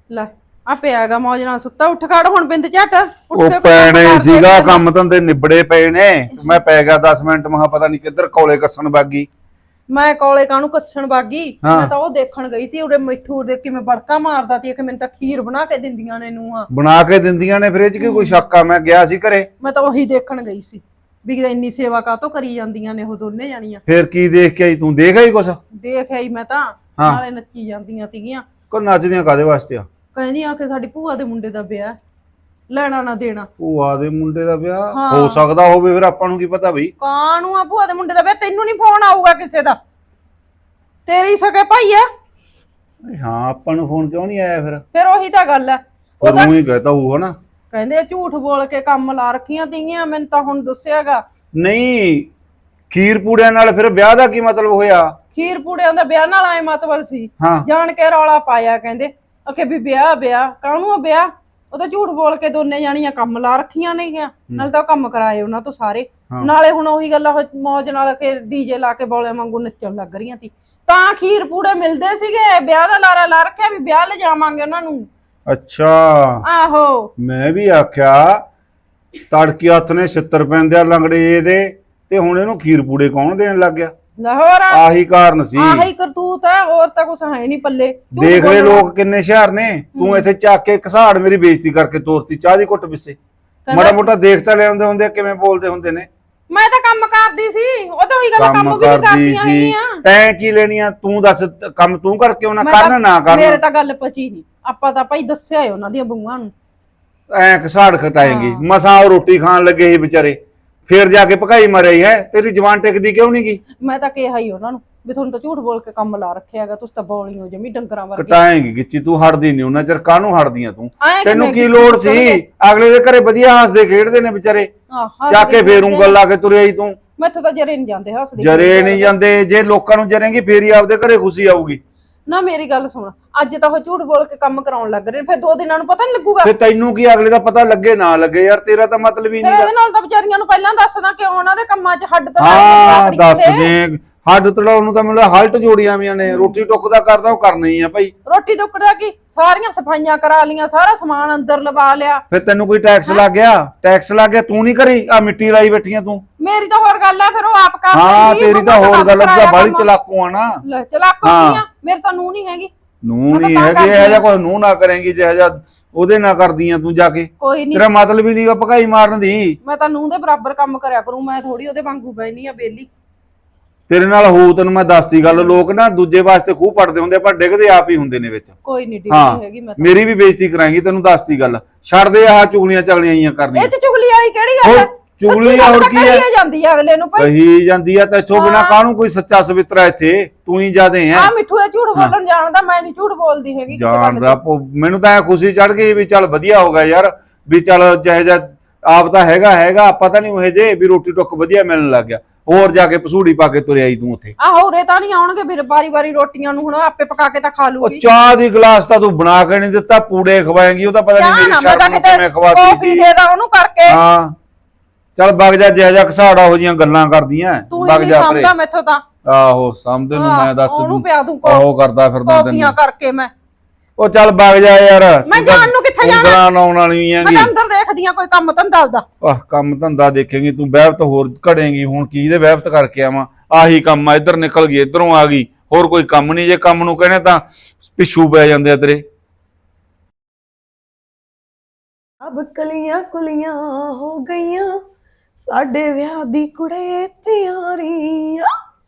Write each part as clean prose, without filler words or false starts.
ਲੈ ਆ ਪਿਆਗਾ ਮੌਜ ਨਾਲ ਸੁੱਤਾ ਉੱਠ ਖੜ ਹੁਣ ਬਿੰਦ ਝੱਟ ਉੱਠ ਉਹ ਕੇ ਪੈਣੇ ਸੀਗਾ ਕੰਮ ਧੰਦੇ ਨਿਬੜੇ ਪਏ ਨੇ ਮੈਂ ਪੈ ਗਿਆ 10 ਮਿੰਟ ਮਹਾ ਪਤਾ ਨਹੀਂ ਕਿੱਧਰ ਕੌਲੇ ਕੱਸਣ ਬਾਗੀ। ਮੈਂ ਕੋਲੇ ਕਾਹਨੂੰ ਕੱਸਣ ਬਾਗੀ ਹਾਂ। ਮੈਂ ਤਾਂ ਉਹ ਦੇਖਣ ਗਈ ਸੀ ਉਹਦੇ ਮਿੱਠੂ ਦੇ ਕਿਵੇਂ ਬੜਕਾ ਮਾਰਦਾ ਸੀ ਕਿ ਮੈਨੂੰ ਤਾਂ ਖੀਰ ਬਣਾ ਕੇ ਦਿੰਦੀਆਂ ਨੇ ਨੂੰਹਾਂ ਬਣਾ ਕੇ ਦਿੰਦੀਆਂ ਨੇ ਫ੍ਰਿਜ ਕੀ ਕੋਈ ਸ਼ੱਕ ਆ? ਮੈਂ ਗਿਆ ਸੀ ਘਰੇ। ਮੈਂ ਤਾਂ ਉਹੀ ਦੇਖਣ ਗਈ ਸੀ ਵੀ ਇੰਨੀ ਸੇਵਾ ਕਾਹਤੋਂ ਕਰੀ ਜਾਂਦੀਆਂ ਨੇ ਉਹ ਦੋਨੇ ਜਾਣੀਆਂ। ਫੇਰ ਕੀ ਦੇਖ ਕੇ ਆਈ ਤੂੰ? ਦੇਖ ਆਈ ਕੁਛ? ਦੇਖ ਆਈ ਮੈਂ ਤਾਂ ਹਾਂ। ਨਾਲੇ ਨੱਚੀ ਜਾਂਦੀਆਂ ਸੀਗੀਆਂ। ਕੋ ਨੱਚਦੀਆਂ ਕਾਦੇ ਵਾਸਤੇ ਆ? ਕਹਿੰਦੀ ਆ ਕਿ ਸਾਡੀ ਭੂਆ ਦੇ ਮੁੰਡੇ ਦਾ ਵਿਆਹ ਲੈਣਾ ਨਾ ਦੇਣਾ। ਭੂਆ ਦੇ ਮੁੰਡੇ ਦਾ ਵਿਆਹ ਹਾਂ। ਹੋ ਸਕਦਾ ਹੋਵੇ, ਫਿਰ ਆਪਾਂ ਨੂੰ ਕੀ ਪਤਾ ਬਈ। ਕਾਹਨੂੰ ਆ ਭੂਆ ਦੇ ਮੁੰਡੇ ਦਾ ਵਿਆਹ? ਤੈਨੂੰ ਨਹੀਂ ਫੋਨ ਆਊਗਾ ਕਿਸੇ ਦਾ? ਤੇਰੀ ਸਕੇ ਭਾਈ ਆ। ਹਾਂ, ਆਪਾਂ ਨੂੰ ਫੋਨ ਕਿਉਂ ਨਹੀਂ ਆਇਆ ਫਿਰ ਉਹੀ ਤਾਂ ਗੱਲ ਹੈ। ਫਿਰ ਉਹ ਹੀ ਕਹਤਾ ਹੋਊਗਾ ਨਾ। ਕਹਿੰਦੇ ਝੂਠ ਬੋਲ ਕੇ ਕੰਮ ਲਾ ਰੱਖੀਆਂ ਤੀਆਂ ਮੈਨੂੰ ਤਾਂ ਹੁਣ ਦੱਸਿਆਗਾ। ਨਹੀਂ, ਖੀਰ ਪੂੜਿਆਂ ਨਾਲ ਫਿਰ ਵਿਆਹ ਦਾ ਕੀ ਮਤਲਬ ਹੋਇਆ? ਖੀਰ ਪੂੜਿਆਂ ਦਾ ਵਿਆਹ ਨਾਲ ਆਏ ਮਤਲਬ ਸੀ। ਹਾਂ। ਜਾਣ ਕੇ ਰੌਲਾ ਪਾਇਆ ਕਹਿੰਦੇ ਅਕੇ ਵੀ ਵਿਆਹ ਕਾਹਨੂੰ ਆ ਵਿਆਹ? ਉਹ ਤਾਂ ਝੂਠ ਬੋਲ ਕੇ ਦੋਨੇ ਜਾਣੀਆਂ ਕੰਮ ਲਾ ਰੱਖੀਆਂ ਨੇ ਗਿਆ। ਨਾਲੇ ਤਾਂ ਕੰਮ ਕਰਾਏ ਉਹਨਾਂ ਤੋਂ ਸਾਰੇ। ਨਾਲੇ ਹੁਣ ਉਹੀ ਗੱਲ ਮੌਜ ਨਾਲ ਕੇ ਡੀਜੇ ਲਾ ਕੇ ਬੋਲੇ ਵਾਂਗੂ ਨੱਚਣ ਲੱਗ ਰਹੀਆਂ ਸੀ। ਤਾਂ ਖੀਰ ਪੂੜੇ ਮਿਲਦੇ ਸੀਗੇ। ਵਿਆਹ ਦਾ ਲਾਰਾ ਲਾ ਰੱਖਿਆ ਵੀ ਵਿਆਹ ਲੈ ਜਾਵਾਂਗੇ ਉਹਨਾਂ ਨੂੰ। ਅੱਛਾ। ਆਹੋ। ਮੈਂ ਵੀ ਆਖਿਆ ਤੜਕੀ ਹੱਥ ਨੇ 70 ਪੈਂਦੇ ਆ ਲੰਗੜੇ ਇਹਦੇ ਤੇ ਹੁਣ ਇਹਨੂੰ ਖੀਰ ਪੂੜੇ ਕੌਣ ਦੇਣ ਲੱਗ ਗਿਆ? ਲਾਹੌਰ ਆਹੀ ਕਾਰਨ ਸੀ। ਆਹੀ ਕਰਤੂਤ ਹੈ, ਹੋਰ ਤਾਂ ਕੁਛ ਹੈ ਨਹੀਂ ਪੱਲੇ। ਦੇਖ ਲੈ ਲੋਕ ਕਿੰਨੇ ਹੁਸ਼ਿਆਰ ਨੇ। ਤੂੰ ਇੱਥੇ ਚੱਕ ਕੇ ਘਸਾੜ ਮੇਰੀ ਬੇਇੱਜ਼ਤੀ ਕਰਕੇ ਤੋਰਤੀ ਚਾਹ ਦੀ ਘੁੱਟ ਪਿੱਛੇ। ਮਾੜਾ ਮੋਟਾ ਦੇਖ ਤਾਂ ਲਿਆਉਂਦੇ ਹੁੰਦੇ ਕਿਵੇਂ ਬੋਲਦੇ ਹੁੰਦੇ ਨੇ। ਮੈਂ ਤਾਂ ਕੰਮ ਕਰਦੀ ਸੀ। ਉਹ ਤਾਂ ਉਹੀ ਗੱਲ ਕੰਮ ਵੀ ਕਰਦੀਆਂ ਹੈਗੀਆਂ। ਤੈਂ ਕੀ ਲੈਣੀ ਆ? ਤੂੰ ਦੱਸ, ਕੰਮ ਤੂੰ ਕਰਕੇ ਉਹਨਾਂ ਕਰਨਾ ਨਾ ਕਰਨਾ? ਮੇਰੇ ਤਾਂ ਗੱਲ ਪਚੀ ਨਹੀਂ। ਆਪਾਂ ਤਾਂ ਭਾਈ ਦੱਸਿਆ ਏ ਉਹਨਾਂ ਦੀਆਂ ਬੂਆਂ ਨੂੰ। ਐ ਘਸਾੜ ਖਟਾਏਂਗੀ। ਮਸਾਂ ਉਹ ਰੋਟੀ ਖਾਣ ਲੱਗੇ ਸੀ ਵਿਚਾਰੇ, ਫੇਰ ਜਾ ਕੇ ਭਕਾਈ ਮਰਿਆ ਹੈ। ਤੇਰੀ ਜਵਾਨ ਟਿਕਦੀ ਕਿਉਂ ਨਹੀਂ ਗਈ? ਮੈਂ ਤਾਂ ਕਿਹਾ ਹੀ ਉਹਨਾਂ ਨੂੰ ਵੀ ਤੁਹਾਨੂੰ ਤਾਂ ਝੂਠ ਬੋਲ ਕੇ ਕੰਮ ਲਾ ਰੱਖਿਆਗਾ। ਤੁਸੀਂ ਤਾਂ ਬੋਲੀ ਹੋ ਜਮੀ ਡੰਗਰਾਂ ਵਰਗੀ। ਕਟਾਏਂਗੀ ਗਿੱਚੀ, ਤੂੰ ਹਟਦੀ ਨਹੀਂ ਉਹਨਾਂ ਚਿਰ। ਕਾਹਨੂੰ ਹਟਦੀਆਂ ਤੂੰ? ਐਂ ਤੈਨੂੰ ਕਿਵੇਂ ਕੀ ਲੋੜ ਸੀ? ਅਗਲੇ ਦੇ ਘਰੇ ਵਧੀਆ ਹੱਸਦੇ ਖੇਡਦੇ ਨੇ ਵਿਚਾਰੇ, ਚੱਕ ਕੇ ਫੇਰ ਉਂਗਲ ਲਾ ਕੇ ਤੁਰੇ ਆਈ ਤੂੰ। ਮੈਥੋਂ ਤਾਂ ਜਰੇ ਨਹੀਂ ਜਾਂਦੇ ਹੱਸਦੇ। ਜਰੇ ਨਹੀਂ ਜਾਂਦੇ। ਜੇ ਲੋਕਾਂ ਨੂੰ ਜਰੇਂਗੀ ਫੇਰ ਹੀ ਆਪਦੇ ਘਰੇ ਖੁਸ਼ੀ ਆਊਗੀ ਨਾ। ਮੇਰੀ ਗੱਲ ਸੁਣ, ਅੱਜ ਤਾਂ ਉਹ ਝੂਠ ਬੋਲ ਕੇ ਕੰਮ ਕਰਾਉਣ ਲੱਗ ਰਹੇ ਨੇ, ਫਿਰ 2 ਦਿਨਾਂ ਨੂੰ ਪਤਾ ਨਹੀਂ ਲੱਗੂਗਾ। ਫੇਰ ਤੈਨੂੰ ਕੀ ਅਗਲੇ ਦਾ ਪਤਾ ਲੱਗੇ ਨਾ ਲੱਗੇ ਯਾਰ, ਤੇਰਾ ਤਾਂ ਮਤਲਬ ਹੀ ਫਿਰ ਨਹੀਂ। ਇਹਦੇ ਨਾਲ ਤਾਂ ਵਿਚਾਰੀਆਂ ਨੂੰ ਪਹਿਲਾਂ ਦੱਸਦਾ ਕਿ ਉਹਨਾਂ ਦੇ ਕੰਮਾਂ 'ਚ ਹੱਡ ਤਾਂ ਹਾਂ ਦੱਸ ਦੇ। ਹੱਡ ਤੜਾਉਣ ਨੂੰ ਤਾਂ ਮੈਨੂੰ ਹਲਟ ਜੋੜੀਆਂ ਵੀਆਂ ਨੇ। ਰੋਟੀ ਟੁੱਕ ਦਾ ਕਰਦਾ ਉਹ ਕਰਨਾ ਹੀ ਆ ਭਾਈ। ਰੋਟੀ ਟੁੱਕਦਾ ਕੀ ਸਾਰੀਆਂ ਸਫਾਈਆਂ ਕਰਾ ਲੀਆਂ, ਸਾਰਾ ਸਮਾਨ ਅੰਦਰ ਲਵਾ ਲਿਆ। ਫਿਰ ਤੈਨੂੰ ਕੋਈ ਟੈਕਸ ਲੱਗ ਗਿਆ? ਟੈਕਸ ਲੱਗ ਗਿਆ ਤੂੰ ਨਹੀਂ ਕਰੀ? ਆ ਮਿੱਟੀ ਲਾਈ ਬੈਠੀਆਂ ਤੂੰ। ਮੇਰੀ ਤਾਂ ਹੋਰ ਗੱਲ ਆ, ਫਿਰ ਉਹ ਆਪ ਕਰ ਹਾਂ ਲੈਂਦੀ। ਤੇਰੀ ਤਾਂ ਹੋਰ ਗੱਲ ਆ, ਬਾਲੀ ਚਲਾਕੂ ਆ ਨਾ। ਲੈ ਚਲਾਕੂ ਆ। ਮੇਰੇ ਤਾਂ ਨੂੰਹ ਨਹੀਂ ਹੈਗੀ। ਨੂੰਹ ਨਹੀਂ ਹੈਗੀ? ਇਹੋ ਜਿਹਾ ਕੋਈ ਨੂੰਹ ਨਾ ਕਰੇਂਗੀ ਜਿਹੋ ਜਿਹਾ ਉਹਦੇ ਨਾਲ ਕਰਦੀਆਂ ਤੂੰ ਜਾ ਕੇ। ਕੋਈ ਨਹੀਂ, ਤੇਰਾ ਮਤਲਬ ਹੀ ਨਹੀਂਗਾ ਭਕਾਈ ਮਾਰਨ ਦੀ। ਮੈਂ ਤਾਂ ਨੂੰਹ ਦੇ ਬਰਾਬਰ ਕੰਮ ਕਰਿਆ ਕਰੂੰ। ਮੈਂ ਥੋੜੀ ਉਹਦੇ ਵਾਂਗੂ ਬੈਣੀ ਆ ਬੇਲੀ। ਤੇਰੇ ਨਾਲ ਹੋ ਤੈਨੂੰ ਮੈਂ ਦੱਸਦੀ ਗੱਲ। ਲੋਕ ਨਾ ਦੂਜੇ ਵਾਸਤੇ ਖੂਹ ਪੜਦੇ ਹੁੰਦੇ, ਪਰ ਡਿੱਗਦੇ ਆਪ ਹੀ ਹੁੰਦੇ ਨੇ ਵਿੱਚ। ਕੋਈ ਨਹੀਂ ਡਿੱਗਦੀ ਹੈਗੀ ਮੈਂ ਤਾਂ। ਮੇਰੀ ਵੀ ਬੇਇੱਜ਼ਤੀ ਕਰਾਂਗੀ, ਤੈਨੂੰ ਦੱਸਦੀ ਗੱਲ। ਛੱਡ ਦੇ ਆਹ ਚੁਗਲੀਆਂ ਚਗਲੀਆਂ ਆਈਆਂ ਕਰਨੀਆਂ। ਇਹ ਤੇ ਚੁਗਲੀ ਵਾਲੀ ਕਿਹੜੀ ਗੱਲ ਹੈ? ਚੁਗਲੀ ਹੋਰ ਕੀ ਹੈ? ਜਾਂਦੀ ਆ ਅਗਲੇ ਨੂੰ ਭਾਈ। ਕਹੀ ਜਾਂਦੀ ਆ। ਤੈਥੋਂ ਬਿਨਾ ਕਾਹਨੂੰ ਕੋਈ ਸੱਚਾ ਸਵਿੱਤਰਾ ਇੱਥੇ? ਤੂੰ ਹੀ ਜਾਦੇ ਆ। ਆ ਮਿੱਠੂ ਇਹ ਝੂਠ ਬੋਲਣ ਜਾਣਦਾ। ਮੈਂ ਨਹੀਂ ਝੂਠ ਬੋਲਦੀ ਹੈਗੀ ਕਿਸੇ ਗੱਲ ਜਾਣਦਾ। ਮੈਨੂੰ ਤਾਂ ਐ ਖੁਸ਼ੀ ਚੜ ਗਈ ਵੀ ਚੱਲ ਵਧੀਆ ਹੋ ਗਿਆ ਯਾਰ, ਵੀ ਚੱਲ ਜਿਹੇ ਜਿਹਾ ਆਪ ਤਾਂ ਹੈਗਾ ਪਤਾ ਨਹੀਂ ਉਹ ਜੇ ਵੀ ਰੋਟੀ ਟੁੱਕ ਵਧੀਆ ਮਿਲਣ ਲੱਗ ਗਿਆ। ਹੋਰ ਜਾ ਕੇ ਪਸੂੜੀ ਪਾ ਕੇ ਤੁਰਿਆ ਆਈ ਤੂੰ ਉੱਥੇ। ਆਹੋ ਉਰੇ ਤਾਂ ਨਹੀਂ ਆਉਣਗੇ ਫਿਰ ਵਾਰੀ ਰੋਟੀਆਂ ਨੂੰ। ਹੁਣ ਆਪੇ ਪਕਾ ਕੇ ਤਾਂ ਖਾ ਉਹ ਲੂਗੀ। ਚਾਹ ਦੀ ਗਲਾਸ ਤਾਂ ਤੂੰ ਬਣਾ ਕੇ ਨਹੀਂ ਦਿੱਤਾ, ਪੂੜੇ ਖਵਾਏਂਗੀ। ਉਹ ਤਾਂ ਪਤਾ ਨਹੀਂ ਮੇਰੀ ਸ਼ਰਮ ਨੂੰ ਕਿਵੇਂ ਖਵਾਤੀ ਕਾਫੀ ਦੇ ਦਾ ਉਹਨੂੰ ਕਰਕੇ। ਹਾਂ ਚੱਲ ਵਗ ਜਾ। ਜਿਹੋ ਜਿਹਾ ਘਸਾੜਾ ਹੋ ਜੀਆਂ ਗੱਲਾਂ ਕਰਦੀਆਂ ਵਗ ਜਾ ਪਰੇ। ਸਮਝਦਾ ਮੈਥੋਂ ਤਾਂ। ਆਹੋ ਸਮਝਦੇ ਨੂੰ ਮੈਂ ਦੱਸ ਉਹਨੂੰ ਪਿਆ ਦੂੰ ਉਹ ਕਰਦਾ ਫਿਰਦਾ ਕਾਫੀਆਂ ਕਰਕੇ ਮੈਂ। ਉਹ ਚੱਲ ਵਗ ਜਾ ਯਾਰ। ਮੈਂ ਜਾਣ ਨੂੰ ਕਿੱਥੇ ਜਾਣਾ? ਉਂਗਲਾਂ ਲਾਉਣ ਵਾਲੀ ਮੈਂ ਹੈਗੀ। ਤਾਂ ਅੰਦਰ ਦੇਖਦੀ ਆ ਕੋਈ ਕੰਮ ਧੰਦਾ ਉਹਦਾ। ਆਹ ਕੰਮ ਧੰਦਾ ਦੇਖੇਂਗੀ ਤੂੰ, ਵਹਿਬਤ ਹੋਰ ਘੜੇਂਗੀ। ਹੁਣ ਕੀ ਦੇ ਵਹਿਬਤ ਕਰਕੇ ਆਵਾਂ? ਆਹੀ ਕੰਮ ਆ, ਇੱਧਰ ਨਿਕਲ ਗਈ ਇੱਧਰੋਂ ਆ ਗਈ। ਹੋਰ ਕੋਈ ਕੰਮ ਨਹੀਂ। ਜੇ ਕੰਮ ਨੂੰ ਕਹਿੰਦੇ ਤਾਂ ਪਿੱਛੂ ਪੈ ਜਾਂਦੇ ਆ ਤੇਰੇ। ਅਬ ਕਲੀਆਂ ਕੁਲੀਆਂ ਹੋ ਗਈਆਂ, ਸਾਡੇ ਵਿਆਹ ਦੀ ਕੁੜੇ ਤਿਆਰੀਆਂ।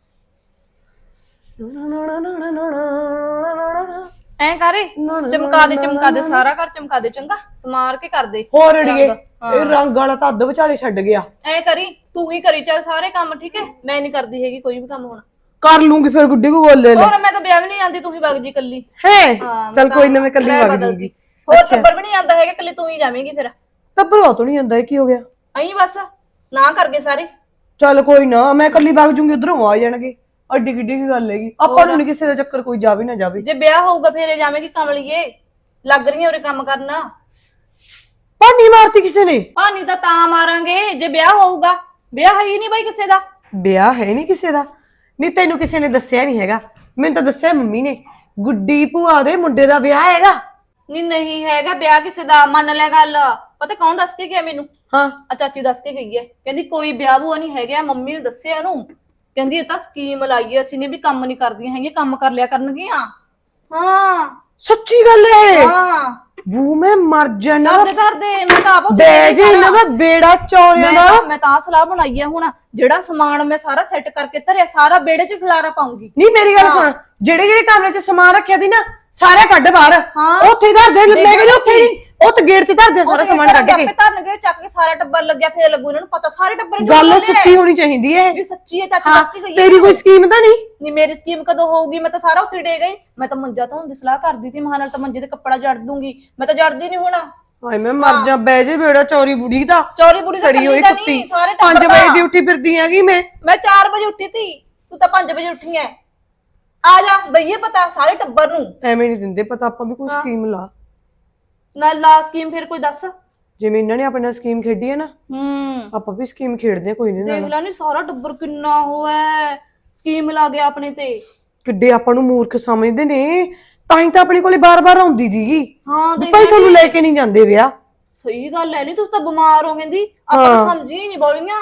ਐ ਕਰੇ ਚਮਕਾ ਦੇ ਸਾਰਾ ਘਰ ਚਮਕਾ ਦੇ। ਚੰਗਾ ਸਮਾਰ ਕੇ ਕਰ ਦੇ। ਹੋਰ ਅੜੀਏ ਇਹ ਰੰਗ ਵਾਲਾ ਤਾਂ ਅੱਧ ਵਿਚਾਲੇ ਛੱਡ ਗਿਆ। ਐ ਕਰੀ ਤੂੰ ਹੀ ਕਰੀ ਚੱਲ ਸਾਰੇ ਕੰਮ। ਠੀਕ ਹੈ ਮੈਂ ਨਹੀਂ ਕਰਦੀ ਹੈਗੀ ਕੋਈ ਵੀ ਕੰਮ ਹੁਣ। ਕਰ ਲੂੰਗੀ ਫਿਰ ਗੁੱਡੀ ਕੋ ਗੋਲੇ ਲੈ। ਹੋਰ ਮੈਂ ਤਾਂ ਵਿਆਹ ਵੀ ਨਹੀਂ ਜਾਂਦੀ, ਤੂੰ ਹੀ ਵਗ ਜੀ ਕੱਲੀ। ਹੈ ਚੱਲ ਕੋਈ ਨਾ, ਮੈਂ ਕੱਲੀ ਵਗ ਜੂਗੀ। ਹੋਰ ਟੱਬਰ ਵੀ ਨਹੀਂ ਆਂਦਾ ਹੈਗਾ, ਕੱਲੀ ਤੂੰ ਹੀ ਜਾਵੇਂਗੀ ਫਿਰ। ਟੱਬਰ ਤੋਂ ਨਹੀਂ ਜਾਂਦਾ। ਇਹ ਕੀ ਹੋ ਗਿਆ? ਅਹੀਂ ਬਸ ਨਾ ਕਰ ਗਏ ਸਾਰੇ। ਚੱਲ ਕੋਈ ਨਾ, ਮੈਂ ਕੱਲੀ ਵਗ ਜੂਗੀ। ਉਧਰੋਂ ਆ ਜਾਣਗੇ। ਅੱਡੀ ਕਿੱਡੀ ਕੀ ਗੱਲ ਹੈਗੀ? ਆਪਾਂ ਨੂੰ ਨਹੀਂ ਕਿਸੇ ਦਾ ਚੱਕਰ ਕੋਈ ਜਾਵੇ ਨਾ ਜਾਵੇ। ਜੇ ਵਿਆਹ ਹੋਊਗਾ ਫੇਰੇ ਜਾਵੇਂਗੀ ਕਮਲੀਏ। ਲੱਗ ਰਹੀ ਉਰੇ ਕੰਮ ਕਰਨਾ। ਪਾਣੀ ਮਾਰਤੀ ਕਿਸੇ ਨੇ? ਪਾਣੀ ਤਾਂ ਮਾਰਾਂਗੇ ਜੇ ਵਿਆਹ ਹੋਊਗਾ। ਵਿਆਹ ਹੈ ਹੀ ਨਹੀਂ ਬਾਈ ਕਿਸੇ ਦਾ। ਵਿਆਹ ਹੈ ਨਹੀਂ ਕਿਸੇ ਦਾ? ਨਹੀਂ ਤੈਨੂੰ ਕਿਸੇ ਨੇ ਦੱਸਿਆ ਨਹੀਂ ਹੈਗਾ? ਮੈਨੂੰ ਤਾਂ ਦੱਸਿਆ ਮੰਮੀ ਨੇ। ਗੁੱਡੀ ਭੂਆ ਦੇ ਮੁੰਡੇ ਦਾ ਵਿਆਹ ਹੈਗਾ। ਨਹੀਂ ਹੈਗਾ ਵਿਆਹ ਕਿਸੇ ਦਾ, ਮੰਨ ਲੈ ਗੱਲ। ਪਤਾ ਕੌਣ ਦੱਸ ਕੇ ਗਿਆ ਮੈਨੂੰ? ਹਾਂ ਆ ਚਾਚੀ ਦੱਸ ਕੇ ਗਈ ਹੈ, ਕਹਿੰਦੀ ਕੋਈ ਵਿਆਹ ਬੂਆ ਨਹੀਂ ਹੈਗਾ। ਮੰਮੀ ਨੇ ਦੱਸਿਆ ਇਹਨੂੰ, ਕਹਿੰਦੀ ਇਹ ਤਾਂ ਸਕੀਮ ਲਾਈ ਹੈ ਅਸੀਂ ਨੇ ਵੀ ਕੰਮ ਨਹੀਂ ਕਰਦੀਆਂ ਹੈਗੀਆਂ, ਕੰਮ ਕਰ ਲਿਆ ਕਰਨਗੀਆਂ। ਹਾਂ ਸੱਚੀ ਗੱਲ ਹੈ। ਹਾਂ ਬੂ ਮੈਂ ਮਰ ਜਾਣਾ। ਕਰਦੇ ਮੈਂ ਤਾਂ ਆਪ ਬੇ ਜੀ ਇਹਨਾਂ ਦਾ ਬੇੜਾ ਚੌਰਿਆਂ ਦਾ। ਮੈਂ ਤਾਂ ਸਲਾਹ ਬਣਾਈ ਹੈ ਹੁਣ, ਜਿਹੜਾ ਸਮਾਨ ਮੈਂ ਸਾਰਾ ਸੈੱਟ ਕਰਕੇ ਧਰਿਆ ਸਾਰਾ ਵਿਹੜੇ 'ਚ ਖਿਲਾਰਾ ਪਾਉਂਗੀ। ਨਹੀਂ ਮੇਰੀ ਗੱਲ ਸੁਣ, ਜਿਹੜੇ ਜਿਹੜੇ ਕਮਰੇ 'ਚ ਸਮਾਨ ਰੱਖਿਆ ਦੀ ਨਾ ਸਾਰੇ ਕੱਢ ਬਾਹਰ। ਹਾਂ। ਉੱਥੇ ਹੀ ਧਰ ਦੇ। ਮੈਂ ਕਹਿੰਦੀ ਉੱਥੇ ਹੀ, ਉਹ ਤਾਂ ਗੇਟ 'ਚ ਧਰ ਦੇ ਸਾਰਾ ਸਮਾਨ ਕੱਢ ਕੇ। ਧਰਨਗੇ ਚੱਕ ਕੇ ਸਾਰਾ ਟੱਬਰ ਲੱਗਿਆ ਫੇਰ ਲੱਗੂ ਇਹਨਾਂ ਨੂੰ ਪਤਾ, ਸਾਰੇ ਟੱਬਰ ਨੂੰ ਗੱਲ ਸੱਚੀ ਹੋਣੀ ਚਾਹੀਦੀ ਹੈ। ਵੀ ਸੱਚੀ ਹੈ, ਚਾਚੀ ਦੱਸ ਕੇ ਗਈ ਹੈ। ਤੇਰੀ ਕੋਈ ਸਕੀਮ ਤਾਂ ਨਹੀਂ? ਨਹੀਂ ਮੇਰੀ ਸਕੀਮ ਕਦੋਂ ਹੋਊਗੀ? ਮੈਂ ਤਾਂ ਸਾਰਾ ਉੱਥੇ ਡੇ ਗਈ। ਮੈਂ ਤਾਂ ਮੰਜਾ ਧੋਣ ਦੀ ਸਲਾਹ ਕਰਦੀ ਸੀ, ਮਹਾਂ ਨਾਲ ਤਾਂ ਮੰਜੇ ਤੇ ਕੱਪੜਾ ਜੜ ਦੂੰਗੀ। ਮੈਂ ਤਾਂ ਜੜਦੀ ਨਹੀਂ ਹੁਣ। ਹਾਏ ਮੈਂ ਮਰ ਜਾ। ਬਹਿ ਜੇ ਬੇੜਾ ਚੌਰੀ ਬੁੜੀ ਦਾ। ਚੌਰੀ ਬੁੜੀ ਦਾ ਸੜੀ ਹੋਈ ਕੱਲੀ ਦਾ ਕੁੱਤੀ। ਨਹੀਂ, ਸਾਰੇ 5 ਟੱਬਰ ਵਜੇ ਦਾ। ਦੀ ਉੱਠੀ ਫਿਰਦੀ ਹੈਗੀ ਮੈਂ। ਮੈਂ 4 ਵਜੇ ਉੱਠੀ ਸੀ, ਤੂੰ ਤਾਂ 5 ਵਜੇ ਉੱਠੀ ਐ। ਆ ਜਾ ਦਈਏ ਪਤਾ ਸਾਰੇ ਟੱਬਰ ਨੂੰ। ਐਵੇਂ ਨਹੀਂ ਦਿੰਦੇ ਪਤਾ, ਆਪਾਂ ਵੀ ਕੋਈ ਸਕੀਮ ਲਾ। ਨਾਲ ਲਾ ਸਕੀਮ ਫਿਰ ਕੋਈ ਦੱਸ। ਜਿਵੇਂ ਇਹਨਾਂ ਨੇ ਆਪਣੇ ਨਾਲ ਸਕੀਮ ਖੇਡੀ ਹੈ ਨਾ, ਆਪਾਂ ਵੀ ਸਕੀਮ ਖੇਡਦੇ ਆ ਕੋਈ ਨਹੀਂ ਦੇਖ ਨਾਲ। ਲੈ ਨੀ ਸਾਰਾ ਟੱਬਰ ਕਿੰਨਾ ਹੋਇਆ, ਸਕੀਮ ਲਾ ਗਿਆ ਆਪਣੇ ਤੇ। ਕਿੱਡੇ ਆਪਾਂ ਨੂੰ ਮੂਰਖ ਸਮਝਦੇ ਨੇ, ਤਾਂ ਹੀ ਤਾਂ ਆਪਣੇ ਕੋਲੇ ਬਾਰ-ਬਾਰ ਆਉਂਦੀ ਸੀਗੀ। ਹਾਂ ਦੇਖ ਭਾਈ ਤੁਹਾਨੂੰ ਲੈ ਕੇ ਨਹੀਂ ਜਾਂਦੇ ਵਿਆਹ। ਸਹੀ ਗੱਲ ਐ, ਨਹੀਂ ਤੁਸੀਂ ਤਾਂ ਬਿਮਾਰ ਹੋ ਕਹਿੰਦੀ, ਆਪਾਂ ਤਾਂ ਸਮਝੀ ਹੀ ਨਹੀਂ ਬੋਲੀਆਂ।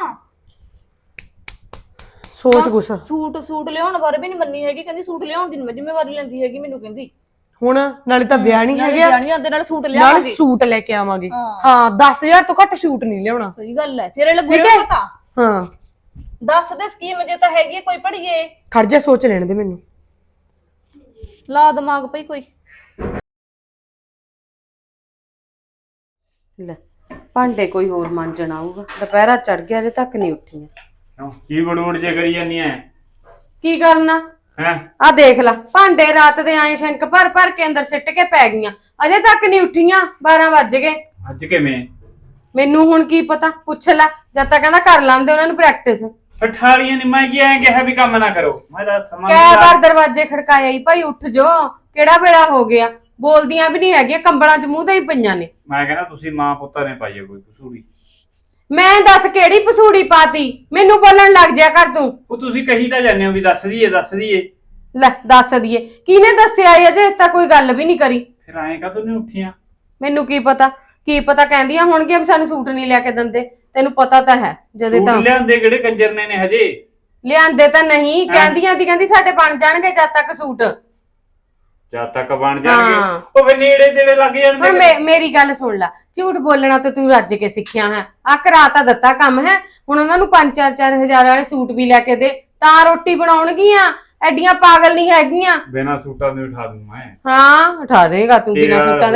ਸੋਚ ਗੁੱਸਾ। ਸੂਟ ਲਿਆਉਣ ਬਾਰੇ ਵੀ ਨਹੀਂ ਮੰਨੀ ਹੈਗੀ, ਕਹਿੰਦੀ ਸੂਟ ਲਿਆਉਣ ਦੀ ਮੈਂ ਜ਼ਿੰਮੇਵਾਰੀ ਲੈਂਦੀ ਹੈਗੀ ਮੈਨੂੰ ਕਹਿੰਦੀ। ਹੁਣ ਨਾਲੇ ਤਾਂ ਵਿਆਹ ਨਹੀਂ ਹੈਗਾ, ਜਾਣੀ ਆਂਦੇ ਨਾਲ ਸੂਟ ਨਾਲ ਲਿਆਵਾਂਗੇ। ਸੂਟ ਲੈ ਕੇ ਆਵਾਂਗੇ। ਹਾਂ 10,000 ਤੋਂ ਘੱਟ ਸੂਟ ਨਹੀਂ ਲਿਆਉਣਾ। ਸਹੀ ਗੱਲ ਐ, ਫਿਰ ਇਹ ਲੱਗੂ ਪਤਾ। ਹਾਂ ਦੱਸ ਦੇ ਸਕੀਮ ਜੇ ਤਾਂ ਹੈਗੀ ਕੋਈ ਪੜੀਏ। ਖੜ ਜਾ, ਸੋਚ ਲੈਣ ਦੇ ਮੈਨੂੰ। ਲਾ ਦਿਮਾਗ ਪਈ ਕੋਈ। ਲੈ ਭਾਂਡੇ ਕੋਈ ਹੋਰ ਮਾਂਜਣ ਆਊਗਾ, ਦੁਪਹਿਰਾ ਚੜ ਗਿਆ ਹਲੇ ਤੱਕ ਨਹੀਂ ਉੱਠੀ। ਕੀ ਬੜੂੜ ਜੇ ਕਰੀ ਜਾਂਦੀ ਐ? ਕੀ ਕਰਨਾ ਹੈ ਆ ਦੇਖ ਲੈ, ਭਾਂਡੇ ਰਾਤ ਦੇ ਆਏ ਸ਼ੰਕ ਭਰ ਭਰ ਕੇ ਅੰਦਰ ਸਿੱਟ ਕੇ ਪੈ ਗਈਆਂ, ਅਜੇ ਤੱਕ ਨਹੀਂ ਉੱਠੀਆਂ। 12 ਵੱਜ ਗਏ। ਅੱਜ ਕਿਵੇਂ? ਮੈਨੂੰ ਹੁਣ ਕੀ ਪਤਾ, ਪੁੱਛ ਲੈ। ਜਦ ਤੱਕ ਕਹਿੰਦਾ ਕਰ ਲਾਂਦੇ ਉਹਨਾਂ ਨੂੰ ਪ੍ਰੈਕਟਿਸ। ਠਾਲੀਆਂ ਨੀ, ਮੈਂ ਕੀ ਐਂ ਕਿਹਾ ਵੀ ਕੰਮ ਨਾ ਕਰੋ। ਮੈਂ ਤਾਂ ਸਮਾਂ ਕਈ ਵਾਰ ਦਰਵਾਜ਼ੇ ਖੜਕਾਇਆ ਹੀ, ਭਾਈ ਉੱਠ ਜੋ, ਕਿਹੜਾ ਵੇਲਾ ਹੋ ਗਿਆ। ਬੋਲਦੀਆਂ ਵੀ ਨਹੀਂ ਹੈਗੀਆਂ, ਕੰਬਲਾਂ 'ਚ ਮੂੰਹ ਤੇ ਹੀ ਪਈਆਂ ਨੇ। ਮੈਂ ਕਹਿੰਦਾ ਤੁਸੀਂ ਮਾਂ ਪੁੱਤਾਂ ਨੇ ਪਾਈ ਆ ਕੋਈ ਕਸੂਰੀ। ਮੈਂ ਦੱਸ ਕਿਹੜੀ ਪਸੂੜੀ ਪਾਤੀ, ਮੈਨੂੰ ਬੋਲਣ ਲੱਗ ਜਿਆ ਕਰ ਤੂੰ। ਉਹ ਤੁਸੀਂ ਕਹੀ ਤਾਂ ਜਾਂਦੇ ਹੋ ਵੀ ਦੱਸ ਦਈਏ ਦੱਸ ਦਈਏ। ਲੈ ਦੱਸ ਦਈਏ, ਕਿਹਨੇ ਦੱਸਿਆ ਅਜੇ ਤਾਂ ਕੋਈ ਗੱਲ ਵੀ ਨਹੀਂ ਕਰੀ। ਫਿਰ ਐਂ ਕਾਹਤੋਂ ਨਹੀਂ ਉੱਠੀਆਂ? ਮੈਨੂੰ ਕੀ ਪਤਾ ਕਹਿੰਦੀਆਂ ਹੋਣਗੀਆਂ ਵੀ ਸਾਨੂੰ ਸੂਟ ਨਹੀਂ ਲਿਆ ਕੇ ਦਿੰਦੇ। ਤੈਨੂੰ ਪਤਾ ਤਾਂ ਹੈ ਜਦੇ ਤਾਂ ਸੂਟ ਲਿਆਂਦੇ ਕਿਹੜੇ ਕੰਜਰ ਨੇ ਹਜੇ? ਲਿਆਂਦੇ ਤਾਂ ਨਹੀਂ, ਕਹਿੰਦੀ ਸਾਡੇ ਬਣ ਜਾਣਗੇ ਜਦ ਤੱਕ ਸੂਟ। ਜਦ ਤੱਕ ਬਣ ਜਾਣਗੇ ਉਹ ਫਿਰ ਨੇੜੇ ਤੇੜੇ ਲੱਗ ਜਾਣਗੇ। ਹੁਣ ਮੇਰੀ ਗੱਲ ਸੁਣ ਲੈ, ਝੂਠ ਬੋਲਣਾ ਤੇ ਤੂੰ ਰੱਜ ਕੇ ਸਿੱਖਿਆ ਹੈ। ਆ ਕਰਾ ਤਾਂ ਦਿੱਤਾ ਕੰਮ ਹੈ, ਹੁਣ ਉਹਨਾਂ ਨੂੰ 5-4 ਹਜ਼ਾਰ ਵਾਲੇ ਸੂਟ ਵੀ ਲੈ ਕੇ ਦੇ ਤਾਂ ਰੋਟੀ ਬਣਾਉਣਗੀਆਂ। ਐਡੀਆਂ ਪਾਗਲ ਨਹੀਂ ਹੈਗੀਆਂ। ਬਿਨਾਂ ਸੂਟਾਂ ਦੇ ਉਠਾ ਦੂੰ ਮੈਂ। ਹਾਂ ਉਠਾ ਦੇਗਾ ਤੂੰ ਬਿਨਾਂ ਸੂਟਾਂ ਦੇ।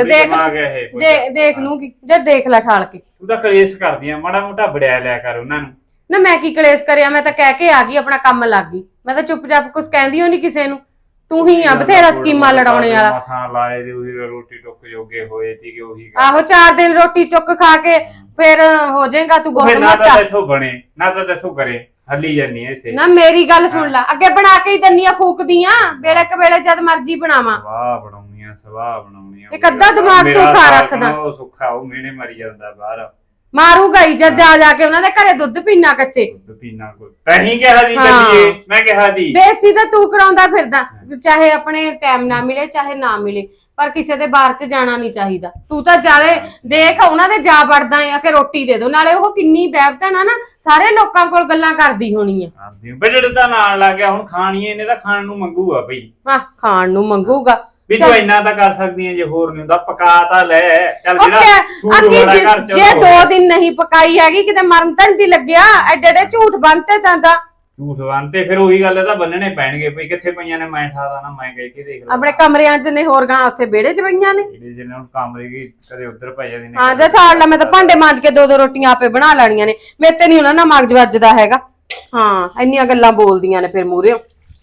ਦੇਖ ਲੂੰਗੀ ਜਦ ਦੇਖ ਲੈ ਠਾਲ ਕੇ। ਤੂੰ ਤਾਂ ਕਲੇਸ਼ ਕਰਦੀ ਆ, ਮਾੜਾ ਮੋਟਾ ਵੜਿਆ ਲਿਆ ਕਰ ਉਹਨਾਂ ਨੂੰ। ਨਾ ਮੈਂ ਕੀ ਕਲੇਸ਼ ਕਰਿਆ, ਮੈਂ ਤਾਂ ਕਹਿ ਕੇ ਆ ਗਈ, ਆਪਣਾ ਕੰਮ ਲੱਗ ਗਈ। ਮੈਂ ਤਾਂ ਚੁੱਪਚਾਪ ਕੁਝ ਕਹਿੰਦੀ ਹੋ ਨਹੀਂ ਕਿਸੇ ਨੂੰ। ਤੂੰ ਹੀ ਆ ਬਥੇਰਾ ਸਕੀਮਾਂ ਲੜਾਉਣੇ ਵਾਲਾ। ਮਸਾਂ ਲਾਏ ਦੇ ਉਹੀ ਰੋਟੀ ਟੁੱਕ ਜੋਗੇ ਹੋਏ ਸੀਗੇ ਉਹੀ। ਆਹੋ 4 ਦਿਨ ਰੋਟੀ ਚੁੱਕ ਖਾ ਕੇ ਫਿਰ ਹੋ ਜਾਏਗਾ ਤੂੰ ਬਹੁਤ ਨਾ ਮੋਟਾ। ਤਾਂ ਇੱਥੋਂ ਬਣੇ ਨਾ ਤਾਂ ਇੱਥੋਂ ਕਰੇ, ਹੱਲੀ ਜਾਨੀ ਐ ਇੱਥੇ। ਨਾ ਮੇਰੀ ਗੱਲ ਸੁਣ ਲੈ, ਅੱਗੇ ਬਣਾ ਕੇ ਹੀ ਦੰਨੀਆਂ ਫੂਕਦੀਆਂ, ਵੇਲੇ ਵੇਲੇ ਜਦ ਮਰਜੀ ਬਣਾਵਾਂ। ਸਵਾਹ ਬਣਾਉਣੀਆਂ ਇੱਕ ਅੱਧਾ ਦਿਮਾਗ ਤੂੰ ਖਾ ਰੱਖਦਾ। ਉਹ ਸੁੱਖਾ ਉਹ ਮਿਹਣੇ ਮਰੀ ਜਾਂਦਾ ਬਾਹਰ। ਮਾਰੂਗਾ ਹੀ ਜਦ ਜਾ ਕੇ ਉਹਨਾਂ ਦੇ ਘਰੇ ਦੁੱਧ ਪੀਣਾ ਕੱਚੇ। ਦੁੱਧ ਪੀਣਾ ਕੋਈ ਤਹੀਂ ਕਿਹਾ ਦੀ ਚੱਲੀਏ, ਮੈਂ ਕਿਹਾ ਦੀ। ਬੇਇੱਜ਼ਤੀ ਤਾਂ ਤੂੰ ਕਰਾਉਂਦਾ ਫਿਰਦਾ, ਚਾਹੇ ਆਪਣੇ ਟਾਈਮ ਨਾ ਮਿਲੇ ਚਾਹੇ ਨਾ ਮਿਲੇ, ਪਰ ਕਿਸੇ ਦੇ ਬਾਹਰ 'ਚ ਜਾਣਾ ਨਹੀਂ ਚਾਹੀਦਾ। ਤੂੰ ਤਾਂ ਜਾਵੇ ਦੇਖ ਉਹਨਾਂ ਦੇ ਜਾ ਵੜਦਾ ਆ ਕਿ ਰੋਟੀ ਦੇ ਦੋ, ਨਾਲੇ ਉਹ ਕਿੰਨੀ ਬੈਬਤਨ ਆ ਨਾ, ਸਾਰੇ ਲੋਕਾਂ ਕੋਲ ਗੱਲਾਂ ਕਰਦੀ ਹੋਣੀ ਆ। ਬਜਟ ਤਾਂ ਨਾਲ ਲੱਗ ਗਿਆ, ਹੁਣ ਖਾਣੀ ਇਹਨੇ ਤਾਂ ਖਾਣ ਨੂੰ ਮੰਗੂਗਾ ਬਈ। ਹਾਂ ਖਾਣ ਨੂੰ ਮੰਗੂਗਾ ਵੀ ਤੂੰ ਇੰਨਾ ਤਾਂ ਕਰ ਸਕਦੀ ਐ, ਜੇ ਹੋਰ ਨਹੀਂ ਹੁੰਦਾ ਪਕਾ ਤਾਂ ਲੈ। ਚੱਲ ਜਿਹੜਾ ਸੂਟ ਵਾਲਾ ਘਰ ਚ ਜੇ 2 ਦਿਨ ਨਹੀਂ ਪਕਾਈ ਹੈਗੀ ਕਿਤੇ ਮਰਨ ਤਾਂ ਨਹੀਂ ਲੱਗਿਆ। ਐਡੇ ਐਡੇ ਝੂਠ ਬੰਨਤੇ ਜਾਂਦਾ। ਝੂਠ ਬੰਨਤੇ ਫਿਰ ਉਹੀ ਗੱਲ ਤਾਂ ਬੰਨਣੇ ਪੈਣਗੇ ਭਈ। ਕਿੱਥੇ ਪਈਆਂ ਨੇ ਮੈਂ ਠਾਦਾ ਨਾ, ਮੈਂ ਕਹਿ ਕੇ ਦੇਖ ਲਾ। ਆਪਣੇ ਕਮਰਿਆਂ 'ਚ ਨੇ, ਹੋਰ ਗਾਂ ਉੱਥੇ ਵਿਹੜੇ 'ਚ ਪਈਆਂ ਨੇ। ਜਿਹੜੇ ਜਿਹਨੇ ਹੁਣ ਕਮਰੇ ਕੀ ਕਦੇ ਉੱਧਰ ਪੈ ਜਾਂਦੀ ਨੇ। ਹਾਂ ਜੇ ਛਾੜ ਲੈ, ਮੈਂ ਤਾਂ ਭਾਂਡੇ ਮਾਂਜ ਕੇ 2-2 ਰੋਟੀਆਂ ਆਪੇ ਬਣਾ ਲੈਣੀਆਂ ਨੇ। ਮੇਰੇ ਤੇ ਨਹੀਂ ਉਹਨਾਂ ਨਾਲ ਮਗਜ ਵੱਜਦਾ ਹੈਗਾ। ਹਾਂ ਇੰਨੀਆਂ ਗੱਲਾਂ ਬੋਲਦੀਆਂ ਨੇ ਫਿਰ ਮੂਹਰੇ।